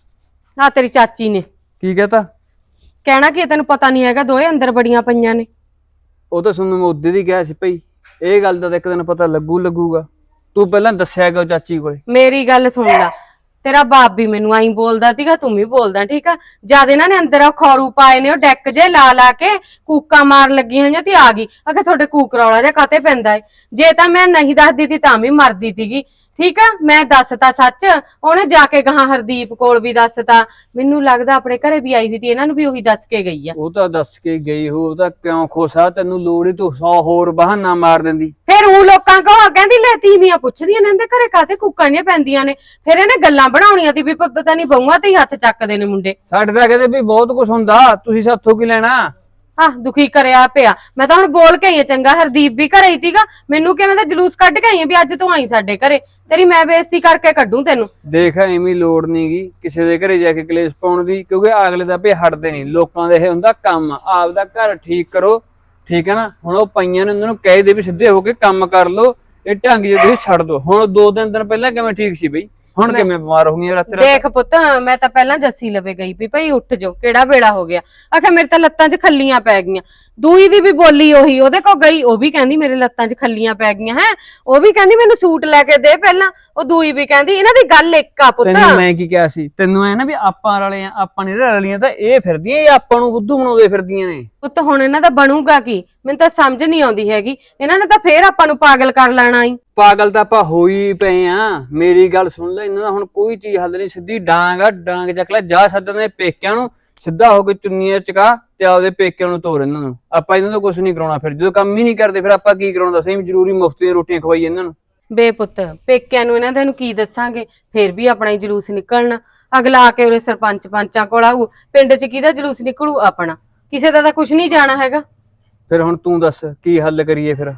ਆ ਤੇਰੀ ਚਾਚੀ ਨੇ। ਕੀ ਕਹਤਾ? ਕਹਿਣਾ ਕੀ ਤੈਨੂੰ ਪਤਾ ਨਹੀਂ ਹੈਗਾ, ਦੋਏ ਅੰਦਰ ਬੜੀਆਂ ਪਈਆਂ ਨੇ। ਉਹ ਤਾਂ ਤੁਹਾਨੂੰ ਮੈਂ ਉਦੋਂ ਦੀ ਕਿਹਾ ਸੀ ਭਈ, ਇਹ ਗੱਲ ਦਾ ਤਾਂ ਇੱਕ ਦਿਨ ਪਤਾ ਲੱਗੂਗਾ। ਤੂੰ ਪਹਿਲਾਂ ਦੱਸਿਆ ਕਿ ਚਾਚੀ ਕੋਲੇ। ਮੇਰੀ ਗੱਲ ਸੁਣ ਲੈ, ਤੇਰਾ ਬਾਪ ਵੀ ਮੈਨੂੰ ਆਈ ਬੋਲਦਾ ਸੀਗਾ, ਤੂੰ ਵੀ ਬੋਲਦਾ, ਠੀਕ ਆ। ਜਦ ਇਹਨਾਂ ਨੇ ਅੰਦਰ ਖੌਰੂ ਪਾਏ ਨੇ, ਉਹ ਡੈਕ ਜੇ ਲਾ ਕੇ ਕੂਕਾਂ ਮਾਰ ਲੱਗੀਆਂ ਹੋਈਆਂ ਤੇ ਆ ਗਈ। ਅਗੇ ਤੁਹਾਡੇ ਕੂਕ ਰੌਲਾ ਜਿਹਾ ਕਾਤੇ ਪੈਂਦਾ ਏ? ਜੇ ਤਾਂ ਮੈਂ ਨਹੀਂ ਦੱਸਦੀ ਤੀ ਤਾਂ ਵੀ ਮਰਦੀ ਸੀਗੀ, ਠੀਕ ਆ। ਮੈਂ ਦੱਸਤਾ ਸੱਚ, ਉਹਨੇ ਜਾ ਕੇ ਕਹਾ ਹਰਦੀਪ ਕੋਲ ਵੀ ਦੱਸਤਾ। ਮੈਨੂੰ ਲੱਗਦਾ ਆਪਣੇ ਘਰੇ ਵੀ ਆਈ ਹੋਈ ਸੀ, ਇਹਨਾਂ ਨੂੰ ਵੀ ਉਹੀ ਦੱਸ ਕੇ ਗਈ ਆ। ਉਹ ਤਾਂ ਦੱਸ ਕੇ ਗਈ ਹੋ, ਉਹ ਤਾਂ ਕਿਉਂ ਖੋਸਾ? ਤੈਨੂੰ ਲੋੜ ਹੀ ਤੂੰ 100 ਹੋਰ ਬਹਾਨਾ ਮਾਰ ਦਿੰਦੀ। ਫਿਰ ਉਹ ਲੋਕਾਂ ਕੋ ਕਹਿੰਦੀ ਲੈ ਤੀਵੀਆਂ ਪੁੱਛਦੀਆਂ ਨੇ ਇਹਦੇ ਘਰੇ ਕਾਤੇ ਕੂਕਾਂ ਨਹੀਂ ਪੈਂਦੀਆਂ ਨੇ। ਫਿਰ ਇਹਨੇ ਗੱਲਾਂ ਬਣਾਉਣੀਆਂ ਸੀ ਵੀ ਪਤਾ ਨਹੀਂ ਬਹੂਆਂ ਤੇ ਹੀ ਹੱਥ ਚੱਕਦੇ ਨੇ ਮੁੰਡੇ। ਸਾਡੇ ਤਾਂ ਕਹਿੰਦੇ ਵੀ ਬਹੁਤ ਕੁਝ ਹੁੰਦਾ, ਤੁਸੀਂ ਸਾਥੋਂ ਕੀ ਲੈਣਾ? ਆਹ ਦੁਖੀ ਕਰਿਆ ਪਿਆ। ਮੈਂ ਤਾਂ ਹੁਣ ਬੋਲ ਕੇ ਆਈ ਆ, ਚੰਗਾ ਹਰਦੀਪ ਵੀ ਘਰੇ ਹੀ ਸੀਗਾ, ਮੈਨੂੰ ਕਿਵੇਂ ਦਾ ਜਲੂਸ ਕੱਢ ਕੇ ਆਈ ਆ ਵੀ ਅੱਜ ਤੂੰ ਆਈ ਸਾਡੇ ਘਰੇ, ਤੇਰੀ ਮੈਂ ਬੇਇੱਜ਼ਤੀ ਕਰਕੇ ਕੱਢੂ ਤੈਨੂੰ। ਦੇਖ ਐਵੇਂ ਲੋੜ ਨਹੀਂਗੀ ਕਿਸੇ ਦੇ ਘਰੇ ਜਾ ਕੇ ਕਲੇਸ਼ ਪਾਉਣ ਦੀ, ਕਿਉਂਕਿ ਅਗਲੇ ਦਾ ਭੇ ਹਟਦੇ ਨਹੀਂ। ਲੋਕਾਂ ਦੇ ਇਹ ਹੁੰਦਾ ਕੰਮ, ਆਪਦਾ ਘਰ ਠੀਕ ਕਰੋ, ਠੀਕ ਹੈ ਨਾ। ਹੁਣ ਉਹ ਪਈਆਂ ਨੇ, ਉਹਨਾਂ ਨੂੰ ਕਹਿ ਦੇ ਵੀ ਸਿੱਧੇ ਹੋ ਕੇ ਕੰਮ ਕਰ ਲੋ, ਇਹ ਢੰਗ ਜੇ ਤੁਸੀਂ ਛੱਡ ਦੋ। ਹੁਣ 2 ਦਿਨ ਪਹਿਲਾਂ ਕਿਵੇਂ ਠੀਕ ਸੀ ਬਈ, ਹੁਣ ਕਿਵੇਂ ਬਿਮਾਰ ਹੋ ਗਈਆਂ ਰਾਤ? ਦੇਖ ਪੁੱਤ, ਮੈਂ ਤਾਂ ਪਹਿਲਾਂ ਜੱਸੀ ਲਵੇ ਗਈ ਵੀ ਭਾਈ ਉੱਠ ਜਾਓ, ਕਿਹੜਾ ਵੇਲਾ ਹੋ ਗਿਆ। ਆਖਿਆ ਮੇਰੇ ਤਾਂ ਲੱਤਾਂ 'ਚ ਖੱਲੀਆਂ ਪੈ ਗਈਆਂ। ਦੂਈ ਦੀ ਵੀ ਬੋਲੀ ਉਹੀ, ਉਹਦੇ ਕੋਲ ਗਈ, ਉਹ ਵੀ ਕਹਿੰਦੀ ਮੇਰੇ ਲੱਤਾਂ 'ਚ ਖੱਲੀਆਂ ਪੈ ਗਈਆਂ। ਹੈ ਉਹ ਵੀ ਕਹਿੰਦੀ ਮੈਨੂੰ ਸੂਟ ਲੈ ਕੇ ਦੇ ਪਹਿਲਾਂ। ਉਹ ਦੂਈ ਵੀ ਕਹਿੰਦੀ, ਇਹਨਾਂ ਦੀ ਗੱਲ ਇੱਕ ਆ ਪੁੱਤ। ਤੈਨੂੰ ਮੈਂ ਕੀ ਕਿਹਾ ਸੀ? ਤੈਨੂੰ ਐ ਨਾ ਵੀ ਆਪਾਂ ਰਲੇ ਆ, ਆਪਾਂ ਨਹੀਂ ਰਲੀਆਂ ਤਾਂ ਇਹ ਫਿਰਦੀਆਂ, ਇਹ ਆਪਾਂ ਨੂੰ ਬੁੱਧੂ ਬਣਾਉਂਦੇ ਫਿਰਦੀਆਂ ਨੇ। ਪੁੱਤ ਹੁਣ ਇਹਨਾਂ ਦਾ ਬਣੂਗਾ ਕੀ, ਮੈਨੂੰ ਤਾਂ ਸਮਝ ਨਹੀਂ ਆਉਂਦੀ ਹੈਗੀ। ਇਹਨਾਂ ਨੇ ਤਾਂ ਫੇਰ ਆਪਾਂ ਨੂੰ ਪਾਗਲ ਕਰ ਲੈਣਾ ਈ। ਪਾਗਲ ਤਾਂ ਆਪਾਂ ਹੋਈ ਪਏ ਆ। ਮੇਰੀ ਗੱਲ ਸੁਣ ਲੈ, ਇਹਨਾਂ ਦਾ ਹੁਣ ਕੋਈ ਚੀਜ਼ ਹੱਲ ਨਹੀਂ। ਸਿੱਧੀ ਡਾਂਗ ਆ, ਡਾਂਗ ਚੱਕ ਲੈ, ਜਾ ਸੱਦਣੇ ਪੇਕਿਆਂ ਨੂੰ, ਸਿੱਧਾ ਹੋ ਕੇ ਚੁੰਨੀਆਂ ਚਕਾ ਤੇ ਆਪਦੇ ਪੇਕਿਆਂ ਨੂੰ ਤੋਰ ਇਹਨਾਂ ਨੂੰ। ਆਪਾਂ ਇਹਨਾਂ ਤੋਂ ਕੁਝ ਨਹੀਂ ਕਰਾਉਣਾ। ਫਿਰ ਜਦੋਂ ਕੰਮ ਹੀ ਨਹੀਂ ਕਰਦੇ ਫਿਰ ਆਪਾਂ ਕੀ ਕਰਾਉਣਾ? ਦੱਸੀ ਜ਼ਰੂਰੀ ਮੁਫਤ ਦੀਆਂ ਰੋਟੀਆਂ ਖਵਾਈ ਇਹਨਾਂ ਨੂੰ। ਬੇ ਪੁੱਤ, ਪੇਕਿਆਂ ਨੂੰ ਇਹਨਾਂ ਦੇ ਨੂੰ ਕੀ ਦੱਸਾਂਗੇ, ਫੇਰ ਵੀ ਆਪਣਾ ਹੀ ਜਲੂਸ ਨਿਕਲਣਾ। ਅਗਲਾ ਆ ਕੇ ਉਰੇ ਸਰਪੰਚ ਪੰਚਾਂ ਕੋਲ ਆਊ, ਪਿੰਡ 'ਚ ਕਿਹਦਾ ਜਲੂਸ ਨਿਕਲੂ? ਆਪਣਾ। ਕਿਸੇ ਦਾ ਤਾਂ ਕੁਝ ਨਹੀਂ ਜਾਣਾ ਹੈਗਾ। ਫਿਰ ਹੁਣ ਤੂੰ ਦੱਸ ਕੀ ਹੱਲ ਕਰੀਏ? ਫਿਰ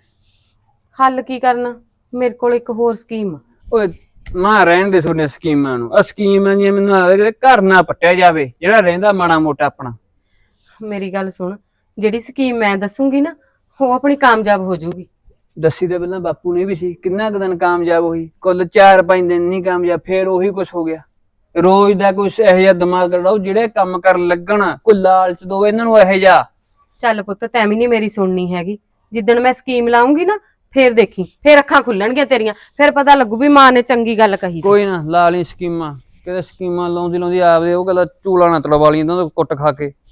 ਹੱਲ ਕੀ ਕਰਨਾ, ਮੇਰੇ ਕੋਲ ਇੱਕ ਹੋਰ ਸਕੀਮ ਆ। ਓਏ ਮਾਂ ਰਹਿਣ ਦੇ ਸੋਨੇ ਸਕੀਮਾਂ ਨੂੰ। ਆ ਸਕੀਮਾਂ ਦੀਆਂ ਮੈਨੂੰ ਲੱਗਦਾ ਕਿ ਘਰ ਨਾ ਪੱਟਿਆ ਜਾਵੇ, ਜਿਹੜਾ ਰਹਿੰਦਾ ਮਾੜਾ ਮੋਟਾ ਆਪਣਾ। ਮੇਰੀ ਗੱਲ ਸੁਣ, ਜਿਹੜੀ ਸਕੀਮ ਮੈਂ ਦੱਸੂਗੀ ਨਾ, ਉਹ ਆਪਣੀ ਕਾਮਯਾਬ ਹੋ ਜਾਊਗੀ। ਦੱਸੀ ਤਾਂ ਪਹਿਲਾਂ ਬਾਪੂ ਨੇ ਵੀ ਸੀ, ਕਿੰਨਾ ਕੁ ਦਿਨ ਕਾਮਯਾਬ ਹੋਈ? ਕੁੱਲ 4-5 ਦਿਨ ਨਹੀਂ ਕਾਮਯਾਬ, ਫੇਰ ਉਹੀ ਕੁਛ ਹੋ ਗਿਆ। ਰੋਜ਼ ਦਾ ਕੁਛ ਇਹੋ ਜਿਹਾ ਦਿਮਾਗ ਲੜਾਓ, ਜਿਹੜੇ ਕੰਮ ਕਰਨ ਲੱਗਣ ਕੋਈ ਲਾਲਚ ਦੋ ਇਹਨਾਂ ਨੂੰ ਇਹੋ ਜਿਹਾ। ਚੱਲ ਪੁੱਤ, ਤੈਨੂੰ ਨਹੀਂ ਮੇਰੀ ਸੁਣਨੀ ਹੈਗੀ। ਜਿੱਦਣ ਮੈਂ ਸਕੀਮ ਲਾਉਂਗੀ ਨਾ, ਫੇਰ ਦੇਖੀ, ਫੇਰ ਅੱਖਾਂ ਖੁੱਲਣਗੀਆਂ ਤੇਰੀਆਂ, ਫੇਰ ਪਤਾ ਲੱਗੂ ਵੀ ਮਾਂ ਨੇ ਚੰਗੀ ਗੱਲ ਕਹੀ। ਕੋਈ ਨਾ ਲਾ ਲਈ ਸਕੀਮਾਂ, ਕਿਤੇ ਸਕੀਮਾਂ ਲਾਉਂਦੀ ਆਪਦੇ ਉਹ ਗੱਲ ਚੂਲਾ ਨਾ ਤੜਵਾ ਲਈ ਇਹਨਾਂ ਤੋਂ ਕੁੱਟ ਖਾ ਕੇ।